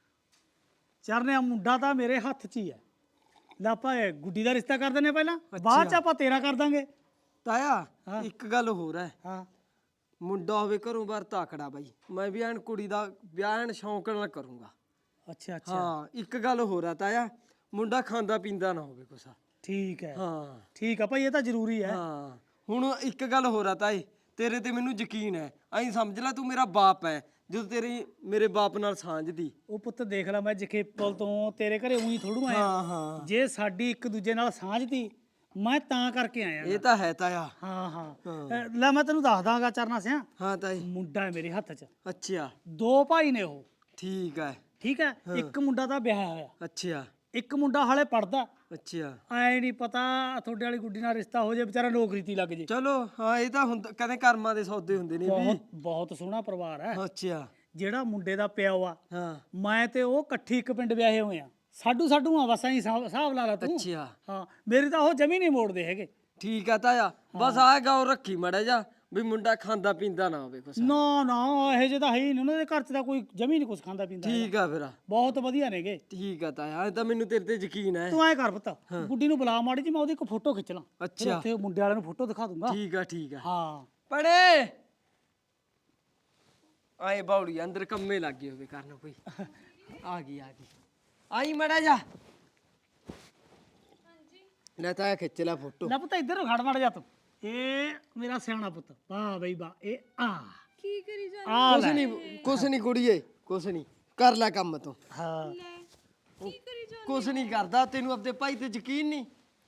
Speaker 3: ਚਰਨੇ ਮੁੰਡਾ ਤਾਂ ਮੇਰੇ ਹੱਥ 'ਚ ਹੀ ਹੈ। ਲੈ ਆਪਾਂ ਇਹ ਗੁੱਡੀ ਦਾ ਰਿਸ਼ਤਾ ਕਰ ਦਿੰਨੇ ਪਹਿਲਾਂ, ਬਾਅਦ 'ਚ ਆਪਾਂ ਤੇਰਾ ਕਰ ਦਾਂਗੇ।
Speaker 6: ਤਾਇਆ ਇੱਕ ਗੱਲ ਹੋਰ ਹੈ।
Speaker 3: ਹਾਂ,
Speaker 6: ਮੁੰਡਾ ਹੋਵੇ ਘਰੋਂ ਬਾਹਰ ਤਾਕੜਾ ਬਾਈ, ਮੈਂ ਵੀ ਐਨ ਕੁੜੀ ਦਾ ਵਿਆਹ ਐਨ ਸ਼ੌਂਕ ਨਾਲ ਕਰੂੰਗਾ।
Speaker 3: ਅੱਛਾ ਅੱਛਾ,
Speaker 6: ਹਾਂ, ਇੱਕ ਗੱਲ ਹੋਰ ਆ ਤਾਇਆ, ਮੁੰਡਾ ਖਾਂਦਾ ਪੀਂਦਾ ਨਾ ਹੋਵੇ ਕੁਛ।
Speaker 3: ਠੀਕ ਹੈ।
Speaker 6: ਹਾਂ
Speaker 3: ਠੀਕ ਆ ਭਾਈ, ਇਹ ਤਾਂ ਜ਼ਰੂਰੀ ਹੈ।
Speaker 6: ਹਾਂ, ਹੁਣ ਇੱਕ ਗੱਲ ਹੋਰ ਆ ਤਾਏ, ਤੇਰੇ ਤੇ ਮੈਨੂੰ ਯਕੀਨ ਹੈ। ਐਂ ਸਮਝ ਲੈ ਤੂੰ ਮੇਰਾ ਬਾਪ ਹੈ, ਜਦੋਂ ਤੇਰੀ ਮੇਰੇ ਬਾਪ ਨਾਲ ਸਾਂਝ ਦੀ।
Speaker 3: ਉਹ ਪੁੱਤ ਦੇਖ ਲੈ ਮੈਂ ਜਖੇਪਲ ਤੋਂ ਤੇਰੇ ਘਰੇ ਉਹੀ ਥੋੜੂ ਆਇਆ।
Speaker 6: ਹਾਂ ਹਾਂ
Speaker 3: ਜੇ ਸਾਡੀ ਇੱਕ ਦੂਜੇ ਨਾਲ ਸਾਂਝ ਤੀ ਮੈਂ ਤਾਂ ਕਰਕੇ ਆਇਆ
Speaker 6: ਇਹ ਤਾਂ ਹੈ ਤਾਇਆ।
Speaker 3: ਹਾਂ ਹਾਂ ਅ, ਲੈ ਮੈਂ ਤੈਨੂੰ ਦੱਸ ਦਾਂਗਾ ਚਰਨਾ ਸਿਆ
Speaker 6: ਹਾਂ ਤਾਈ।
Speaker 3: ਮੁੰਡਾ ਹੈ ਮੇਰੇ ਹੱਥ 'ਚ,
Speaker 6: ਅੱਛਾ
Speaker 3: ਦੋ ਭਾਈ ਨੇ ਉਹ।
Speaker 6: ਠੀਕ ਹੈ।
Speaker 3: ਠੀਕ ਹੈ, ਇੱਕ ਮੁੰਡਾ ਤਾਂ ਵਿਆਹਿਆ ਹੋਇਆ,
Speaker 6: ਅੱਛਾ
Speaker 3: ਇੱਕ ਮੁੰਡਾ ਹਾਲੇ ਪੜਦਾ।
Speaker 6: ਅੱਛਾ
Speaker 3: ਐ ਨਹੀਂ ਪਤਾ ਤੁਹਾਡੇ ਵਾਲੀ ਗੁੱਡੀ ਨਾਲ ਰਿਸ਼ਤਾ ਹੋ ਜੇ ਵਿਚਾਰਾ ਨੌਕਰੀ ਤੇ ਲੱਗ ਜੇ।
Speaker 6: ਚਲੋ ਹਾਂ ਇਹ ਤਾਂ ਹੁੰਦਾ ਕਹਿੰਦੇ ਕਰਮਾਂ ਦੇ ਸੌਦੇ ਹੁੰਦੇ ਨੇ ਵੀ।
Speaker 3: ਬਹੁਤ ਬਹੁਤ ਸੋਹਣਾ ਪਰਿਵਾਰ ਹੈ।
Speaker 6: ਅੱਛਾ
Speaker 3: ਜਿਹੜਾ ਮੁੰਡੇ ਦਾ ਪਿਓ ਆ
Speaker 6: ਹਾਂ
Speaker 3: ਮੈਂ ਤੇ ਉਹ ਇਕੱਠੀ ਇੱਕ ਪਿੰਡ ਵਿਆਹੇ ਹੋਏ ਆ। ਸਾਡੂ ਸਾਡੂ ਆ ਬਸ ਐਂ ਹਿਸਾਬ ਲਾ ਲਾ ਤੂੰ।
Speaker 6: ਅੱਛਾ
Speaker 3: ਹਾਂ ਮੇਰੀ ਤਾਂ ਉਹ ਜਮੀ ਨਹੀਂ ਮੋੜਦੇ ਹੈਗੇ।
Speaker 6: ਠੀਕ ਆ ਤਾਇਆ। ਬਸ ਆਹ ਗੌਰ ਰੱਖੀ ਮਾੜਾ ਜਾ ਵੀ ਮੁੰਡਾ ਖਾਂਦਾ ਪੀਂਦਾ ਨਾ ਹੋਵੇ ਕੁਛ।
Speaker 3: ਨਾ ਨਾ ਇਹੋ ਜਿਹੇ ਤਾਂ ਹੈ ਹੀ ਨਹੀਂ, ਉਹਨਾਂ ਦੇ ਘਰ 'ਚ ਤਾਂ ਕੋਈ ਜਮੀ ਨਹੀਂ ਕੁਛ ਖਾਂਦਾ ਪੀਂਦਾ ਹੈਗਾ।
Speaker 6: ਠੀਕ ਆ ਫਿਰ।
Speaker 3: ਬਹੁਤ ਵਧੀਆ ਨੇਗੇ।
Speaker 6: ਠੀਕ ਆ ਤਾਇਆ ਇਹ ਤਾਂ ਮੈਨੂੰ ਤੇਰੇ ਤੇ ਯਕੀਨ ਹੈ।
Speaker 3: ਤੂੰ ਐਂ ਕਰ ਪੁੱਤ, ਗੁੱਡੀ ਨੂੰ ਬੁਲਾ ਮਾੜੀ ਜੀ, ਮੈਂ ਉਹਦੀ ਇੱਕ ਫੋਟੋ ਖਿੱਚ ਲਾਂ। ਫਿਰ
Speaker 6: ਅੱਛਾ
Speaker 3: ਉੱਥੇ ਮੁੰਡੇ ਵਾਲਿਆਂ ਨੂੰ ਫੋਟੋ ਦਿਖਾ ਦੂੰਗਾ।
Speaker 6: ਠੀਕ ਆ ਠੀਕ ਆ।
Speaker 3: ਹਾਂ
Speaker 6: ਪੜੇ ਆਏ ਬਾਉੜੀ ਅੰਦਰ ਕੰਮੇ ਲੱਗ ਗਏ ਹੋਵੇ ਕਰਨ ਕੋਈ। ਆ ਗਈ ਆ ਗਈ ਆਈ ਮੜਾ ਜਾ। ਲੈ ਤਾਇਆ ਖਿੱਚ ਲੈ ਫੋਟੋ।
Speaker 3: ਲੈ ਪੁੱਤ ਇੱਧਰ ਖੜ ਮੜ ਜਾ ਤੂੰ। ਇਹ ਮੇਰਾ ਸਿਆਣਾ ਪੁੱਤ, ਵਾਹ ਬਈ ਵਾਹ। ਇਹ ਆ
Speaker 4: ਕੀ ਕਰੀ ਜਾ
Speaker 3: ਆ
Speaker 6: ਕੁਛ
Speaker 3: ਲੈ।
Speaker 6: ਨਹੀਂ ਕੁਛ ਨਹੀਂ ਕੁੜੀਏ ਕੁਛ ਨਹੀਂ ਕਰ ਲੈ ਕੰਮ ਤੂੰ।
Speaker 3: ਹਾਂ
Speaker 4: ਕੀ ਕਰੀ ਜਾ
Speaker 6: ਕੁਛ ਨਹੀਂ ਕਰਦਾ ਤੈਨੂੰ ਆਪਣੇ ਭਾਈ ਤੇ ਯਕੀਨ ਨਹੀਂ।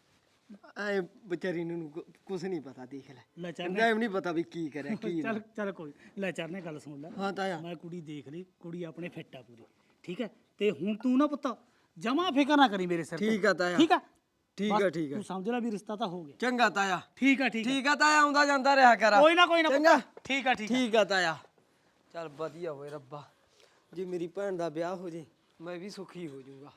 Speaker 6: ਐ ਵਿਚਾਰੀ ਨੂੰ ਕੁ- ਕੁਛ ਨਹੀਂ ਪਤਾ ਦੇਖ ਲੈ।
Speaker 3: ਲੈ ਚਰਨੇ
Speaker 6: ਟਾਈਮ ਨਹੀਂ ਪਤਾ ਵੀ ਕੀ ਕਰਿਆ ਕੀ
Speaker 3: ਚੱਲ ਚੱਲ ਕੋਈ ਲੈ ਚਰਨੇ ਗੱਲ ਸੁਣ ਲੈ।
Speaker 6: ਹਾਂ ਤਾਇਆ।
Speaker 3: ਮੈਂ ਕੁੜੀ ਦੇਖ ਲਈ, ਕੁੜੀ ਆਪਣੇ ਫਿੱਟ ਆ ਪੂਰੀ। ਠੀਕ ਹੈ, ਤੇ ਹੁਣ ਤੂੰ ਨਾ ਪੁੱਤ ਜਮਾ ਫਿਕਰ ਨਾ ਕਰੀ ਮੇਰੇ ਸਿਰ ਤੇ।
Speaker 6: ਠੀਕ ਆ ਤਾਇਆ।
Speaker 3: ਠੀਕ ਆ
Speaker 6: ਠੀਕ
Speaker 3: ਬਸ
Speaker 6: ਆ ਠੀਕ ਆ
Speaker 3: ਤੂੰ ਸਮਝ ਲੈ ਵੀ ਰਿਸ਼ਤਾ ਤਾਂ ਹੋ ਗਿਆ।
Speaker 6: ਚੰਗਾ ਤਾਇਆ।
Speaker 3: ਠੀਕ ਆ ਠੀਕ ਆ
Speaker 6: ਠੀਕ ਆ ਤਾਇਆ ਆਉਂਦਾ ਜਾਂਦਾ ਰਿਹਾ ਕਰ।
Speaker 3: ਕੋਈ ਨਾ ਕੋਈ ਨਾ
Speaker 6: ਚੰਗਾ।
Speaker 3: ਪੁੱਤ। ਠੀਕ ਆ ਠੀਕ ਆ
Speaker 6: ਠੀਕ ਆ ਤਾਇਆ। ਚੱਲ ਵਧੀਆ ਹੋਏ ਰੱਬਾ ਜੇ ਮੇਰੀ ਭੈਣ ਦਾ ਵਿਆਹ ਹੋ ਜੇ ਮੈਂ ਵੀ ਸੁਖੀ ਹੋ ਜਾਊਗਾ।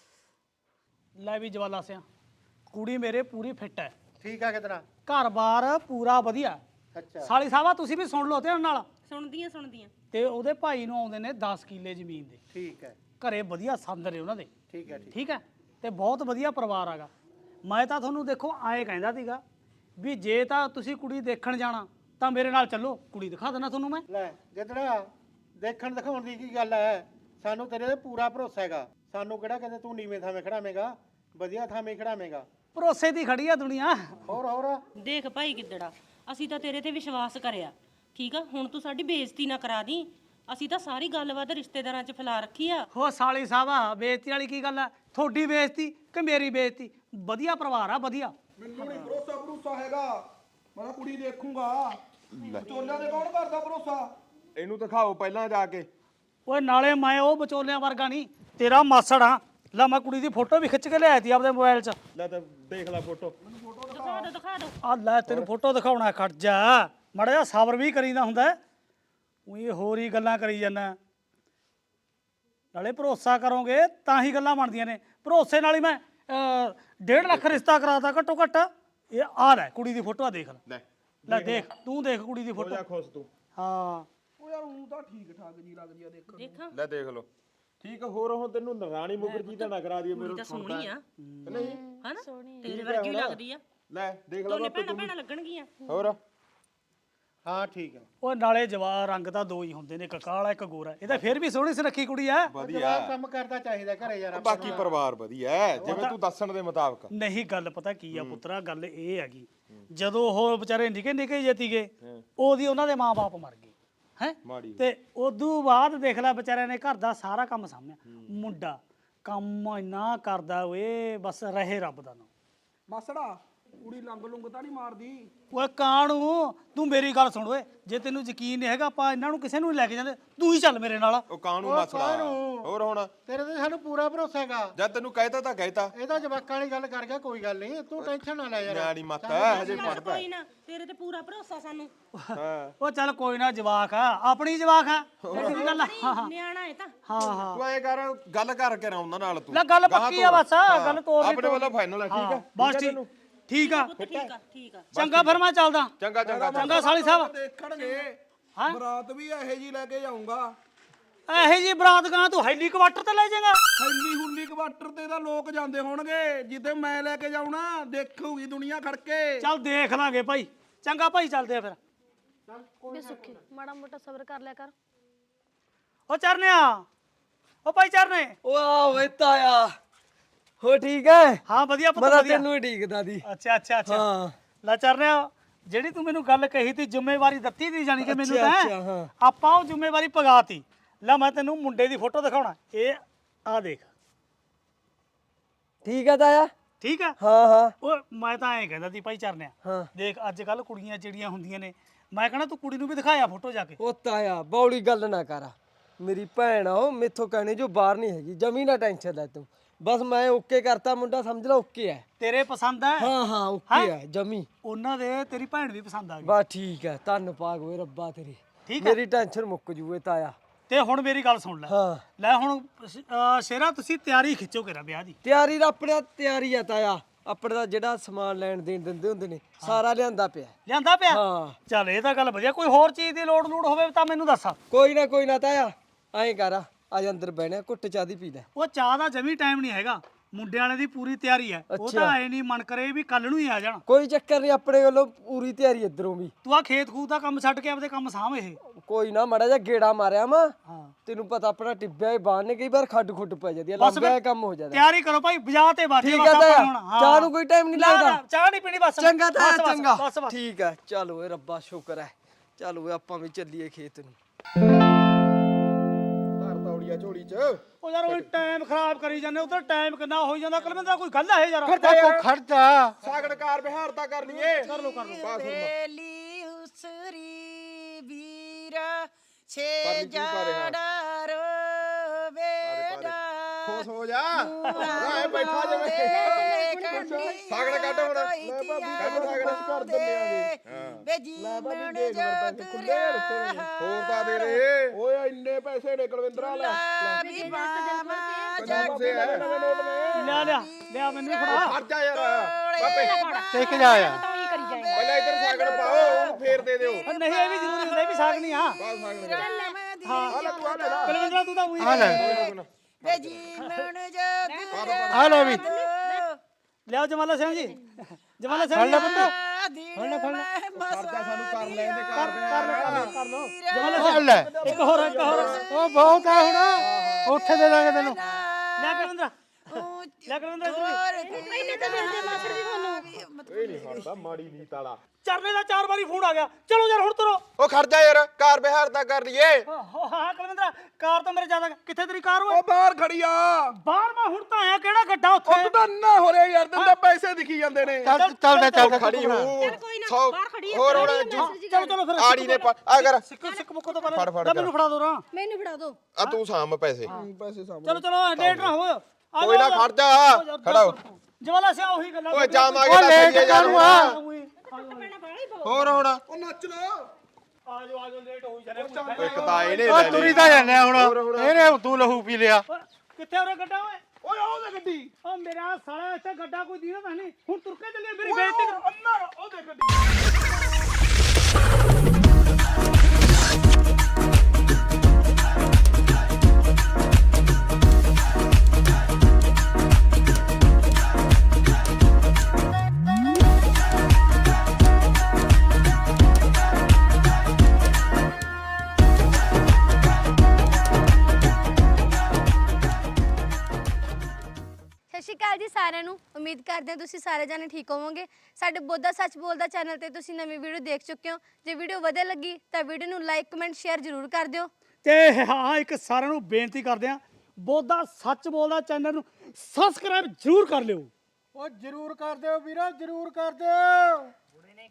Speaker 3: ਲੈ ਵੀ ਜਵਾਲਾ ਸਿਆ, ਕੁੜੀ ਮੇਰੇ ਪੂਰੀ ਫਿੱਟ ਹੈ।
Speaker 7: ਠੀਕ ਆ ਕਿਤਨਾ?
Speaker 3: ਘਰ-ਬਾਰ ਪੂਰਾ ਵਧੀਆ।
Speaker 7: ਅੱਛਾ
Speaker 3: ਸਾਲੀ ਸਾਹਿਬਾ ਤੁਸੀਂ ਵੀ ਸੁਣ ਲਓ ਧਿਆਨ ਨਾਲ।
Speaker 5: ਸੁਣਦੀਆਂ ਸੁਣਦੀਆਂ।
Speaker 3: ਤੇ ਉਹਦੇ ਭਾਈ ਨੂੰ ਆਉਂਦੇ ਨੇ ਦਸ ਕਿੱਲੇ ਜ਼ਮੀਨ ਦੇ।
Speaker 7: ਠੀਕ ਹੈ
Speaker 3: ਘਰੇ ਵਧੀਆ ਸੰਦ ਨੇ ਉਹਨਾਂ ਦੇ।
Speaker 7: ਠੀਕ ਹੈ ਠੀਕ
Speaker 3: ਠੀਕ ਹੈ, ਤੇ ਬਹੁਤ ਵਧੀਆ ਪਰਿਵਾਰ ਹੈਗਾ। ਮੈਂ ਤਾਂ ਤੁਹਾਨੂੰ ਦੇਖੋ ਆਏ ਕਹਿੰਦਾ ਸੀਗਾ ਵੀ ਜੇ ਤਾਂ ਤੁਸੀਂ ਕੁੜੀ ਦੇਖਣ ਜਾਣਾ ਤਾਂ ਮੇਰੇ ਨਾਲ ਚੱਲੋ, ਕੁੜੀ ਦਿਖਾ ਦੇਣਾ ਤੁਹਾਨੂੰ ਮੈਂ।
Speaker 7: ਲੈ ਜਿੱਦੜਾ ਦੇਖਣ ਦਿਖਾਉਣ ਦੀ ਕੀ ਗੱਲ ਹੈ? ਸਾਨੂੰ ਤੇਰੇ ਤੇ ਪੂਰਾ ਭਰੋਸਾ ਹੈਗਾ। ਸਾਨੂੰ ਕਿਹੜਾ ਕਹਿੰਦੇ ਤੂੰ ਨੀਵੇਂ ਥਾਵੇਂ ਖੜਾਵੇਂਗਾ, ਵਧੀਆ ਥਾਵੇਂ ਖੜਾਵੇਂਗਾ।
Speaker 3: ਭਰੋਸੇ ਦੀ ਖੜੀ ਆ ਦੁਨੀਆ।
Speaker 7: ਹੋਰ ਹੋਰ
Speaker 5: ਦੇਖ ਭਾਈ ਗਿੱਦੜਾ, ਅਸੀਂ ਤਾਂ ਤੇਰੇ ਤੇ ਵਿਸ਼ਵਾਸ ਕਰਿਆ। ਠੀਕ ਆ, ਹੁਣ ਤੂੰ ਸਾਡੀ ਬੇਇੱਜ਼ਤੀ ਨਾ ਕਰਾ ਦੀ। ਅਸੀਂ ਤਾਂ ਸਾਰੀ ਗੱਲਬਾਤ ਰਿਸ਼ਤੇਦਾਰਾਂ 'ਚ ਫੈਲਾ ਰੱਖੀ ਆ।
Speaker 3: ਹੋ ਸਾਲੀ ਸਾਹਿਬਾ, ਬੇਇੱਜ਼ਤੀ ਵਾਲੀ ਕੀ ਗੱਲ ਆ? ਤੁਹਾਡੀ ਬੇਇੱਜ਼ਤੀ ਕਿ ਮੇਰੀ ਬੇਇੱਜ਼ਤੀ? ਵਧੀਆ ਪਰਿਵਾਰ ਆ ਵਧੀਆ।
Speaker 9: ਮੈਨੂੰ ਨਹੀਂ ਭਰੋਸਾ ਭਰੋਸਾ ਹੈਗਾ। ਮੈਂ ਤਾਂ ਕੁੜੀ ਦੇਖੂੰਗਾ। ਵਿਚੋਲਿਆਂ ਦੇ ਕੌਣ ਕਰਦਾ ਭਰੋਸਾ?
Speaker 2: ਇਹਨੂੰ ਦਿਖਾਓ ਪਹਿਲਾਂ ਜਾ ਕੇ।
Speaker 3: ਓਏ ਨਾਲੇ ਮੈਂ ਉਹ ਵਿਚੋਲਿਆਂ ਵਰਗਾ ਨਹੀਂ, ਤੇਰਾ ਮਾਸੜ ਆ। ਲੈ ਮੈਂ ਕੁੜੀ ਦੀ ਫੋਟੋ ਵੀ ਖਿੱਚ ਕੇ ਲਿਆਈ ਤੀ ਆਪਦੇ ਮੋਬਾਈਲ 'ਚ।
Speaker 2: ਲੈ ਤਾਂ ਦੇਖ ਲੈ ਫੋਟੋ।
Speaker 5: ਦਿਖਾ ਦੋ ਦਿਖਾ ਦੋ।
Speaker 3: ਆ ਲੈ ਤੈਨੂੰ ਫੋਟੋ ਦਿਖਾਉਣਾ, ਖੜ ਜਾ ਮਾੜਾ ਜਿਹਾ ਸਬਰ ਵੀ ਕਰੀਦਾ ਹੁੰਦਾ। ਉਹੀ ਹੋਰ ਹੀ ਗੱਲਾਂ ਕਰੀ ਜਾਂਦਾ। ਨਾਲੇ ਭਰੋਸਾ ਕਰੋਗੇ ਤਾਂ ਹੀ ਗੱਲਾਂ ਬਣਦੀਆਂ ਨੇ। ਭਰੋਸੇ ਨਾਲ ਹੀ ਮੈਂ ਅਹ, ਡੇਢ ਲੱਖ ਰਿਸ਼ਤਾ ਕਰਾਤਾ ਘੱਟੋ ਘੱਟ। ਇਹ ਆ ਲੈ ਕੁੜੀ ਦੀ ਫੋਟੋ ਆ ਦੇਖ ਲੈ।
Speaker 2: ਲੈ
Speaker 3: ਲੈ ਦੇਖ ਤੂੰ ਦੇਖ ਕੁੜੀ ਦੀ
Speaker 2: ਹੋ
Speaker 3: ਫੋਟੋ।
Speaker 2: ਜਾ ਖੁਸ਼ ਤੂੰ।
Speaker 3: ਹਾਂ
Speaker 9: ਉਹ ਯਾਰ ਉਹ ਤਾਂ ਠੀਕ ਠਾਕ ਜੀ ਲੱਗਦੀ ਆ ਦੇਖਣ।
Speaker 5: ਦੇਖਾਂ
Speaker 2: ਲੈ ਦੇਖ ਲਓ। ਠੀਕ ਆ, ਹੋਰ ਹੁਣ ਤੈਨੂੰ ਰਾਣੀ ਮੁਖਰਜੀ ਤਾਂ ਨਾ ਕਰਾ ਦਈਏ ਮੇਰੇ
Speaker 5: ਤਾਂ ਸੋਹਣੀ ਆ
Speaker 2: ਨਹੀਂ।
Speaker 5: ਹਨਾ, ਤੇਰੇ ਵਰਗੀ ਵੀ ਲੱਗਦੀ ਆ।
Speaker 2: ਲੈ ਦੇਖ ਲੈ
Speaker 5: ਦੋਨੇ
Speaker 2: ਬਾਪੂ
Speaker 5: ਭੈਣਾਂ
Speaker 2: ਤੂੰ।
Speaker 5: ਭੈਣਾਂ ਲੱਗਣਗੀਆਂ।
Speaker 2: ਹੋਰ
Speaker 7: ਹਾਂ ਠੀਕ ਹੈ।
Speaker 3: ਉਹ ਨਾਲੇ ਜਵਾਰ ਰੰਗ ਤਾਂ ਦੋ ਹੀ ਹੁੰਦੇ ਨੇ, ਇੱਕ ਕਾਲਾ ਇੱਕ ਗੋਰਾ। ਇਹ ਤਾਂ ਫਿਰ ਵੀ ਸੋਹਣੀ ਸੁਨੱਖੀ ਕੁੜੀ ਆ।
Speaker 2: ਵਧੀਆ।
Speaker 7: ਜਵਾਬ ਕੰਮ ਕਰਦਾ ਚਾਹੀਦਾ ਘਰੇ ਯਾਰ।
Speaker 2: ਬਾਕੀ ਪਰਿਵਾਰ ਵਧੀਆ ਹੈ, ਜਿਵੇਂ ਤੂੰ ਦੱਸਣ ਦੇ ਮੁਤਾਬਕ।
Speaker 3: ਨਹੀਂ ਗੱਲ ਪਤਾ ਕੀ ਆ ਪੁੱਤਰਾ, ਗੱਲ ਇਹ ਹੈਗੀ ਜਦੋਂ ਉਹ ਵਿਚਾਰੇ ਨਿੱਕੇ ਨਿੱਕੇ ਜੇਤੀ ਗਏ, ਉਹਦੀ ਉਹਨਾਂ ਦੇ ਮਾਂ-ਬਾਪ ਮਰ ਗਏ ਹੈ।
Speaker 2: ਮਾੜੀ
Speaker 3: ਤੇ ਉਦੋਂ ਬਾਅਦ ਦੇਖ ਲੈ ਵਿਚਾਰਿਆਂ ਨੇ ਘਰ ਦਾ ਸਾਰਾ ਕੰਮ ਸਾਂਭਿਆ। ਮੁੰਡਾ ਕੰਮ ਇੰਨਾ ਕਰਦਾ ਓਏ, ਬਸ ਰਹੇ ਰੱਬ ਦਾ ਨਾਮ।
Speaker 9: ਮਾਸੜਾ ਕੁੜੀ ਲੰਗ ਲੁੰਗ ਤਾਂ ਨਹੀਂ ਮਾਰਦੀ?
Speaker 3: ਓਏ ਕਾਣੂ ਤੂੰ ਮੇਰੀ ਗੱਲ ਸੁਣ ਓਏ, ਜੇ ਤੈਨੂੰ ਯਕੀਨ ਨਹੀਂ ਹੈਗਾ ਆਪਾਂ ਇਹਨਾਂ ਨੂੰ ਕਿਸੇ ਨੂੰ ਨੀ ਲੈ ਕੇ ਜਾਂਦੇ, ਤੂੰ ਹੀ ਚੱਲ ਮੇਰੇ ਨਾਲ।
Speaker 2: ਉਹ ਕਾਹਨੂੰ ਮਸਲਾ ਹੋਰ ਹੁਣ
Speaker 7: ਤੇਰੇ ਤੇ ਸਾਨੂੰ ਪੂਰਾ ਭਰੋਸਾ ਹੈਗਾ।
Speaker 2: ਜਦ ਤੈਨੂੰ ਕਹਿਤਾ ਤਾਂ ਕਹਿਤਾ।
Speaker 7: ਇਹ ਤਾਂ ਜਵਾਕਾਂ ਵਾਲੀ ਗੱਲ ਕਰ ਗਿਆ, ਕੋਈ ਗੱਲ ਨਹੀਂ, ਤੂੰ ਟੈਨਸ਼ਨ ਨਾ ਲੈ ਯਾਰ।
Speaker 2: ਨਿਆਣੀ ਮੱਤ ਹੈ, ਹਜੇ
Speaker 5: ਚੱਲ
Speaker 2: ਪੜਦਾ।
Speaker 5: ਕੋਈ ਨਾ, ਤੇਰੇ ਤੇ ਪੂਰਾ ਭਰੋਸਾ ਸਾਨੂੰ।
Speaker 2: ਹਾਂ
Speaker 3: ਉਹ ਚੱਲ ਕੋਈ ਨਾ, ਜਵਾਕ ਆ ਆਪਣੀ, ਜਵਾਕ ਆ ਐਸੀ ਕੋਈ ਗੱਲ ਆ। ਹਾਂ ਹਾਂ
Speaker 5: ਨਿਆਣਾ ਹੈ ਤਾਂ।
Speaker 3: ਹਾਂ ਹਾਂ
Speaker 2: ਤੂੰ ਐ ਕਰ, ਗੱਲ ਕਰਕੇ ਨਾ ਉਹਨਾਂ ਨਾਲ ਤੂੰ।
Speaker 3: ਲੈ ਗੱਲ
Speaker 2: ਗਾਹਾਂ
Speaker 3: ਪੱਕੀ ਆ
Speaker 2: ਤੋਰ।
Speaker 3: ਬਸ,
Speaker 2: ਹਾਂ,
Speaker 3: ਗੱਲ ਤੋਰ
Speaker 2: ਆਪਣੇ ਵੱਲੋਂ ਫਾਈਨਲ ਹੈ। ਠੀਕ ਹੈ
Speaker 3: ਬਸ ਠੀਕ ਠੀਕ ਆ।
Speaker 5: ਪੁੱਤ ਠੀਕ ਆ ਠੀਕ ਆ।
Speaker 3: ਚੰਗਾ ਫਿਰ ਮੈਂ ਚੱਲਦਾ।
Speaker 2: ਚੰਗਾ ਚੰਗਾ
Speaker 3: ਚੰਗਾ ਸਾਲੀ ਸਾਹਿਬ।
Speaker 9: ਦੇਖਣਗੇ
Speaker 3: ਹਾਂ
Speaker 9: ਬਰਾਤ ਵੀ ਇਹੋ ਜੀ ਲੈ ਕੇ ਜਾਊਂਗਾ।
Speaker 3: ਇਹੋ ਜੀ ਬਰਾਤ ਗਾਂ ਤੂੰ ਹੈਲੀਕਾਪਟਰ ਤੇ ਲੈ ਜਾਏਗਾ?
Speaker 9: ਹੈਲੀ ਹੁੱਲੀ ਕੁਆਟਰ ਤੇ ਤਾਂ ਲੋਕ ਜਾਂਦੇ ਹੋਣਗੇ, ਜਿੱਦੇ ਮੈਂ ਲੈ ਕੇ ਜਾਉਣਾ ਦੇਖੂਗੀ ਦੁਨੀਆ ਖੜ ਕੇ।
Speaker 3: ਚੱਲ ਦੇਖ ਲਾਂਗੇ ਭਾਈ। ਚੰਗਾ ਭਾਈ ਚੱਲਦੇ ਆ ਫਿਰ।
Speaker 8: ਬੇ ਸੁੱਖੀ ਮਾੜਾ ਮੋਟਾ ਸਬਰ ਕਰ ਲਿਆ ਕਰ।
Speaker 3: ਉਹ ਚਰਨਿਆ, ਉਹ ਭਾਈ ਚਰਨੇ।
Speaker 6: ਉਹ ਆ ਓਏ ਤਾਇਆ ਹੋ ਠੀਕ ਹੈ?
Speaker 3: ਹਾਂ ਵਧੀਆ ਪੁੱਤ
Speaker 6: ਮੈਂ ਤਾਂ
Speaker 3: ਵਧੀਆ।
Speaker 6: ਤੈਨੂੰ ਹੀ ਠੀਕਦਾ ਦੀ।
Speaker 3: ਅੱਛਾ ਅੱਛਾ ਅੱਛਾ
Speaker 6: ਹਾਂ
Speaker 3: ਲੈ ਚਰਨਿਆ, ਜਿਹੜੀ ਤੂੰ ਮੈਨੂੰ ਗੱਲ ਕਹੀ ਤੀ ਜ਼ਿੰਮੇਵਾਰੀ ਦਿੱਤੀ ਤੀ ਜਾਨੀ ਕਿ ਮੈਨੂੰ
Speaker 6: ਅੱਛਾ,
Speaker 3: ਤਾਂ
Speaker 6: ਅੱਛਾ, ਹਾਂ।
Speaker 3: ਆਪਾਂ ਉਹ ਜ਼ਿੰਮੇਵਾਰੀ ਪਗਾਤੀ। ਲੈ ਮੈਂ ਤੈਨੂੰ ਮੁੰਡੇ ਦੀ ਫੋਟੋ ਦਿਖਾਉਣਾ, ਇਹ ਆ ਦੇਖ,
Speaker 6: ਠੀਕ ਆ ਤਾਇਆ।
Speaker 3: ਠੀਕ ਆ।
Speaker 6: ਹਾਂ ਹਾਂ
Speaker 3: ਉਹ ਮੈਂ ਤਾਂ ਐਂ ਕਹਿੰਦਾ ਸੀ ਭਾਈ ਚਰਨਿਆ,
Speaker 6: ਹਾਂ।
Speaker 3: ਦੇਖ ਅੱਜ ਕੱਲ ਕੁੜੀਆਂ ਜਿਹੜੀਆਂ ਹੁੰਦੀਆਂ ਨੇ, ਮੈਂ ਕਹਣਾ ਤੂੰ ਕੁੜੀ ਨੂੰ ਵੀ ਦਿਖਾਇਆ ਫੋਟੋ ਜਾ ਕੇ।
Speaker 6: ਉਹ ਤਾਇਆ ਬੌਲੀ ਗੱਲ ਨਾ ਕਰ, ਮੇਰੀ ਭੈਣ ਆ ਉਹ, ਮੇਥੋਂ ਕਹਿਣੇ ਜੋ ਬਾਹਰ ਨਹੀਂ ਹੈਗੀ, ਜਮੀ ਨਾ ਟੈਨਸ਼ਨ ਲੈ ਤੂੰ। ਬਸ ਮੈਂ ਓਕੇ ਕਰਤਾ, ਮੁੰਡਾ ਸਮਝ ਲੈ ਓਕੇ ਹੈ।
Speaker 3: ਤੇਰੇ ਪਸੰਦ ਹੈ?
Speaker 6: ਹਾਂ ਹਾਂ ਓਕੇ ਹੈ ਜਮੀ।
Speaker 3: ਉਹਨਾਂ ਦੇ ਤੇਰੀ ਭੈਣ ਵੀ ਪਸੰਦ ਆ ਗਈ।
Speaker 6: ਬਸ ਠੀਕ ਹੈ, ਧੰਨ ਭਾਗ ਓਏ ਰੱਬਾ ਤੇਰੀ।
Speaker 3: ਠੀਕ ਹੈ।
Speaker 6: ਮੇਰੀ ਟੈਨਸ਼ਨ ਮੁੱਕ ਜੂਏ ਤਾਇਆ।
Speaker 3: ਤੇ ਹੁਣ ਮੇਰੀ ਗੱਲ ਸੁਣ ਲੈ।
Speaker 6: ਹਾਂ
Speaker 3: ਲੈ ਹੁਣ ਅਹ, ਸ਼ੇਰਾ ਤੁਸੀਂ ਤਿਆਰੀ ਖਿੱਚੋ ਕਰਾ ਵਿਆਹ ਦੀ।
Speaker 6: ਤਿਆਰੀ ਦਾ ਆਪਣੇ ਤਿਆਰੀ ਆ ਤਾਇਆ, ਆਪਣੇ ਦਾ ਜਿਹੜਾ ਸਮਾਨ ਲੈਣ ਦੇਣ ਦਿੰਦੇ ਹੁੰਦੇ ਨੇ ਸਾਰਾ ਲਿਆਂਦਾ ਪਿਆ।
Speaker 3: ਲਿਆਂਦਾ ਪਿਆ?
Speaker 6: ਹਾਂ
Speaker 3: ਚੱਲ ਇਹ ਤਾਂ ਗੱਲ ਵਧੀਆ। ਕੋਈ ਹੋਰ ਚੀਜ਼ ਦੀ ਲੋੜ ਲੂੜ ਹੋਵੇ ਤਾਂ ਮੈਨੂੰ ਦੱਸ।
Speaker 6: ਕੋਈ ਨਾ ਕੋਈ ਨਾ ਤਾਇਆ, ਐਂ ਕਰ ਆ ਜਾ ਅੰਦਰ ਬਹਿਣਾ, ਘੁੱਟ ਚਾਹ ਦੀ ਪੀ ਲੈ।
Speaker 3: ਉਹ ਚਾਹ ਦਾ ਜਮੀ ਟਾਈਮ ਨਹੀਂ ਹੈਗਾ, ਮੁੰਡੇ ਵਾਲੇ ਦੀ ਪੂਰੀ ਤਿਆਰੀ ਹੈ। ਉਹ ਤਾਂ ਐ ਨਹੀਂ ਮਨ ਕਰੇ ਵੀ ਕੱਲ ਨੂੰ ਹੀ ਆ ਜਾਣ।
Speaker 6: ਕੋਈ ਚੱਕਰ ਨਹੀਂ, ਆਪਣੇ ਵੱਲੋਂ ਪੂਰੀ ਤਿਆਰੀ ਇੱਧਰੋਂ ਵੀ।
Speaker 3: ਤੂੰ ਆ ਖੇਤ ਖੂਤ ਦਾ ਕੰਮ ਛੱਡ ਕੇ ਆਪਦੇ ਕੰਮ ਸਾਂਭ ਇਹ।
Speaker 6: ਕੋਈ ਨਾ ਮਾੜਾ ਜਿਹਾ ਗੇੜਾ ਮਾਰਿਆ ਮਾ,
Speaker 3: ਹਾਂ
Speaker 6: ਤੈਨੂੰ ਪਤਾ ਆਪਣਾ ਟਿੱਬਿਆ ਹੀ ਬਾਹਰ ਨੇ, ਕਈ ਵਾਰ ਖੱਡ ਖੁੱਡ ਪੈ ਜਾਂਦੀ ਹੈ,
Speaker 3: ਬਸ
Speaker 6: ਲੰਬਾ
Speaker 3: ਫਿਰ
Speaker 6: ਕੰਮ ਹੋ ਜਾਂਦਾ।
Speaker 3: ਤਿਆਰੀ ਕਰੋ ਭਾਈ, ਬਾਜ਼ਾਰ ਤੇ ਬਾਜੀ।
Speaker 6: ਠੀਕ ਹੈ ਤਾਇਆ, ਚਾਹ ਨੂੰ ਕੋਈ ਟਾਈਮ ਨਹੀਂ ਲੱਗਦਾ।
Speaker 3: ਚਾਹ ਨਹੀਂ ਪੀਣੀ ਬਸ।
Speaker 6: ਚੰਗਾ ਤਾਇਆ
Speaker 3: ਬਸ, ਬਸ,
Speaker 6: ਚੰਗਾ,
Speaker 3: ਬਸ, ਬਸ।
Speaker 6: ਠੀਕ ਹੈ। ਚੱਲ ਓਏ ਰੱਬਾ ਸ਼ੁਕਰ ਹੈ, ਚੱਲ ਓਏ ਆਪਾਂ ਵੀ ਚੱਲੀਏ ਖੇਤ ਨੂੰ।
Speaker 2: ਧਰ ਤੌੜੀਆ ਝੋਲੀ ਚ।
Speaker 3: ਉਹ ਯਾਰ ਉਹ ਟਾਈਮ ਖਰਾਬ ਕਰੀ ਜਾਂਦੇ, ਉਧਰ ਟਾਈਮ ਕਿੰਨਾ ਹੋਈ ਜਾਂਦਾ। ਕਲਮਿੰਦਰ ਕੋਈ ਗੱਲ ਹੈ ਯਾਰ?
Speaker 7: ਖਰਚਾ
Speaker 2: ਸਾਗਣਕਾਰ ਬਿਹਾਰ ਤਾਂ ਕਰ ਲਈਏ।
Speaker 3: ਕਰ ਲੋ ਕਰ ਲੋ।
Speaker 1: ਬੇਲੀ ਉਸਰੀ ਵੀਰ ਛੇ
Speaker 2: ਪਰਲੀ ਚੀਜ਼ ਪਾ ਦੇ, ਹਾਂ।
Speaker 1: ਜੜਾ ਰੋਵੇੜਾ
Speaker 2: ਖੁਸ਼ ਹੋ ਜਾ। ਲੈ ਬੈਠਾ ਜਿਵੇਂ। ਸਾਗਣ ਕੱਢ ਹੁਣ। ਲੈ ਭਾਬੀ ਕੱਢ ਸਾਗਣ ਕਰ ਦਿੰਦੇ ਆਗੇ।
Speaker 1: ਵੇ ਜੀਵਨ
Speaker 2: ਦੇਖ ਪੈਸੇ ਖੁੱਲੇ ਰੁੱਤੇ ਨੇ। ਹੋਰ ਤਾਂ ਦੇ ਦੇ। ਓਏ ਇੰਨੇ ਪੈਸੇ ਨੇ ਕੁਲਵਿੰਦਰਾ ਲੈ।
Speaker 1: ਵੀ ਬਾਵਾ
Speaker 2: ਪੰਜਾਬ ਸੇ ਹੈ ਨਵੇਂ ਨੋਟ ਨੇ।
Speaker 3: ਲਿਆ ਲਿਆ ਲਿਆ ਮੈਨੂੰ ਵੀ ਫੜਾ।
Speaker 2: ਖਰਚਾ ਯਾਰ ਬਾਪੇ
Speaker 7: ਟਿਕ ਜਾ ਆ
Speaker 2: ਪਹਿਲਾਂ ਇੱਧਰ ਸਾਗਣ ਪਾਓ, ਉਹਨੂੰ ਫੇਰ ਦੇ ਦਿਓ।
Speaker 3: ਉਹ ਨਹੀਂ ਇਹ ਵੀ ਜ਼ਰੂਰੀ ਹੁੰਦਾ, ਇਹ ਵੀ ਸਾਗ ਨਹੀਂ ਆ।
Speaker 2: ਬਾਹਰ ਸਾਗਣ ਕਰ।
Speaker 3: ਹਾਂ
Speaker 2: ਆ ਲੈ ਤੂੰ ਆ ਲੈ ਲਾ।
Speaker 3: ਕਲਮਿੰਦਰ ਤੂੰ ਤਾਂ ਉਹੀ
Speaker 7: ਆ ਲੈ।
Speaker 1: ਵੇ ਜੀਵਨ ਜਗ
Speaker 7: ਆ ਲੈ ਵੀ
Speaker 3: ਲਿਆਓ ਜਮਾਲਾ ਸਿੰਘ ਜੀ, ਜਮਾਲਾ ਸਿੰਘ
Speaker 7: ਫੜ ਲੈ
Speaker 3: ਜੀ।
Speaker 7: ਪੁੱਤ।
Speaker 1: ਫੜ ਲੈ ਫੜ ਲੈ
Speaker 2: ਖਰਚਾ ਸਾਨੂੰ ਕਰ ਲੈਣ ਦੇ ਕਰ
Speaker 3: ਕਰ ਲਓ ਕਰ ਲਓ ਜਮਾਲਾ
Speaker 7: ਫੜ
Speaker 3: ਸਿੰਘ।
Speaker 7: ਲੈ।
Speaker 3: ਇੱਕ ਹੋਰ ਇੱਕ ਹੋਰ
Speaker 7: ਉਹ ਬਹੁਤ ਆ ਹੁਣ, ਉੱਥੇ ਦੇ ਦਾਂਗੇ ਤੈਨੂੰ।
Speaker 3: ਲੈ ਕਲਮਿੰਦਰ ਲੈ ਕਲਮਿੰਦਰ ਇੱਧਰ ਵੀ।
Speaker 2: ਇਹ ਨਹੀਂ ਹਟਦਾ ਮਾੜੀ ਨੀਤ ਵਾਲਾ।
Speaker 3: ਚਰਨੇ ਦਾ ਚਾਰ ਵਾਰੀ ਫੋਨ ਆ ਗਿਆ। ਚਲੋ ਯਾਰ ਹੁਣ ਤੁਰੋ।
Speaker 2: ਉਹ ਖਰਚਾ ਯਾਰ ਕਾਰ ਬਿਹਾਰ ਤਾਂ ਕਰ ਲਈਏ।
Speaker 3: ਹਾਂ ਹਾਂ ਕਲਮਿੰਦਰ, ਕਾਰ ਤਾਂ ਮੇਰੇ ਜ਼ਿਆਦਾ। ਕਿੱਥੇ ਤੇਰੀ ਕਾਰ ਓਏ?
Speaker 9: ਉਹ ਬਾਹਰ ਖੜੀ ਆ।
Speaker 3: ਬਾਹਰ ਮੈਂ ਹੁਣ ਤਾਂ ਆਇਆ, ਕਿਹੜਾ ਗੱਡਾ ਉੱਥੇ?
Speaker 9: ਉਹ ਤੂੰ ਤਾਂ ਨਾ ਹੋ ਰਿਹਾ ਯਾਰ, ਤੈਨੂੰ ਤਾਂ ਪੈਸੇ ਦਿਖੀ ਜਾਂਦੇ ਨੇ।
Speaker 7: ਚੱਲ ਚੱਲਦਾ ਚੱਲਦਾ
Speaker 2: ਖੜੀ ਹੂੰ
Speaker 5: ਕੋਈ ਨਾ,
Speaker 2: ਸੌ
Speaker 5: ਬਾਹਰ ਖੜੀ ਆ,
Speaker 2: ਹੋਰ ਹੁਣ
Speaker 5: ਖੜੀ ਆ,
Speaker 2: ਜੂ-
Speaker 3: ਚਲੋ ਚਲੋ ਫਿਰ
Speaker 2: ਆੜੀ ਨੇ ਪਾ- ਆ ਕਰ
Speaker 3: ਸਿੱਕੋ ਸਿੱਕ ਮੁੱਕੋ ਤੋਂ
Speaker 2: ਫੜ,
Speaker 3: ਪਹਿਲਾਂ
Speaker 2: ਫੜ
Speaker 3: ਲੈ
Speaker 2: ਕਰ।
Speaker 3: ਮੈਨੂੰ ਫੜਾ ਦੋ ਰਾਂ।
Speaker 8: ਮੈਨੂੰ ਫੜਾ ਦਿਓ।
Speaker 2: ਆ ਤੂੰ ਸਾਂਭ ਪੈਸੇ।
Speaker 9: ਪੈਸੇ ਸਾਹਮਣੇ।
Speaker 3: ਚਲੋ ਚਲੋ ਲੇਟ ਨਾ ਹੋਵੋ। ਆ
Speaker 2: ਕੋਈ ਨਾ
Speaker 3: ਜਾਓ,
Speaker 2: ਖੜ ਜਾ,
Speaker 3: ਜਾਓ, ਜਾਓ,
Speaker 2: ਖੜਾ ਹੋ।
Speaker 3: ਜਮਾਲਾ ਸਿੰਘ ਉਹੀ ਗੱਲਾਂ।
Speaker 2: ਓਏ ਜਾਵਾਂਗੇ
Speaker 7: ਉਹ
Speaker 2: ਤਾਂ
Speaker 7: ਲੇਟ
Speaker 2: ਸਹੀ ਯਾਰ
Speaker 7: ਕਾਹਨੂੰ ਆ?
Speaker 2: ਹੋਰ ਹੁਣ
Speaker 9: ਉਹ ਨੱਚ ਲੋ।
Speaker 3: ਆ ਜਾਓ ਆ ਜਾਓ, ਲੇਟ ਹੋਈ ਜਾਣੇ।
Speaker 2: ਇੱਕ ਤਾਂ ਇਹਨੇ
Speaker 7: ਉਹ
Speaker 2: ਲੈ
Speaker 7: ਤੁਰੀ
Speaker 2: ਲਈ।
Speaker 7: ਤਾਂ ਜਾਂਦੇ ਆ ਹੁਣ, ਇਹਨੇ ਤੂੰ ਲਹੂ ਪੀ ਲਿਆ।
Speaker 3: ਓਏ, ਕਿੱਥੇ ਉਹਦਾ ਗੱਡਾ ਓਏ?
Speaker 9: ਓਏ ਉਹਦੇ ਗੱਡੀ।
Speaker 3: ਓ ਮੇਰਾ ਸਾਲਾ ਇੱਥੇ ਗੱਡਾ ਕੋਈ ਦੀਦਾ ਤਾਂ ਨਹੀਂ। ਹੁਣ ਤੁਰ ਕੇ ਚੱਲੀਏ, ਮੇਰੀ
Speaker 9: ਓਏ
Speaker 3: ਬੇਇੱਜ਼ਤੀ
Speaker 9: ਉਹ
Speaker 3: ਕਰ।
Speaker 9: ਅੰਦਰ ਉਹਦੇ ਗੱਡੀ।
Speaker 8: ਸਤਿ ਸ਼੍ਰੀ ਅਕਾਲ ਜੀ ਸਾਰਿਆਂ ਨੂੰ। ਉਮੀਦ ਕਰਦੇ ਹਾਂ ਤੁਸੀਂ ਸਾਰੇ ਜਾਣੇ ਠੀਕ ਹੋਵੋਗੇ। ਸਾਡੇ ਬੋਧਾ ਸੱਚ ਬੋਲਦਾ ਚੈਨਲ ਤੇ ਤੁਸੀਂ ਨਵੀਂ ਵੀਡੀਓ ਦੇਖ ਚੁੱਕੇ ਹੋ। ਜੇ ਵੀਡੀਓ ਵਧੀਆ ਲੱਗੀ ਤਾਂ ਵੀਡੀਓ ਨੂੰ ਲਾਈਕ ਕਮੈਂਟ ਸ਼ੇਅਰ ਜ਼ਰੂਰ ਕਰ ਦਿਓ।
Speaker 3: ਤੇ ਹਾਂ ਇੱਕ ਸਾਰਿਆਂ ਨੂੰ ਬੇਨਤੀ ਕਰਦੇ ਆ, ਬੋਧਾ ਸੱਚ ਬੋਲਦਾ ਚੈਨਲ ਨੂੰ ਸਬਸਕ੍ਰਾਈਬ ਜ਼ਰੂਰ ਕਰ ਲਿਓ।
Speaker 7: ਉਹ ਜ਼ਰੂਰ ਕਰ ਦਿਓ ਵੀਰੋ, ਜ਼ਰੂਰ ਕਰ ਦਿਓ।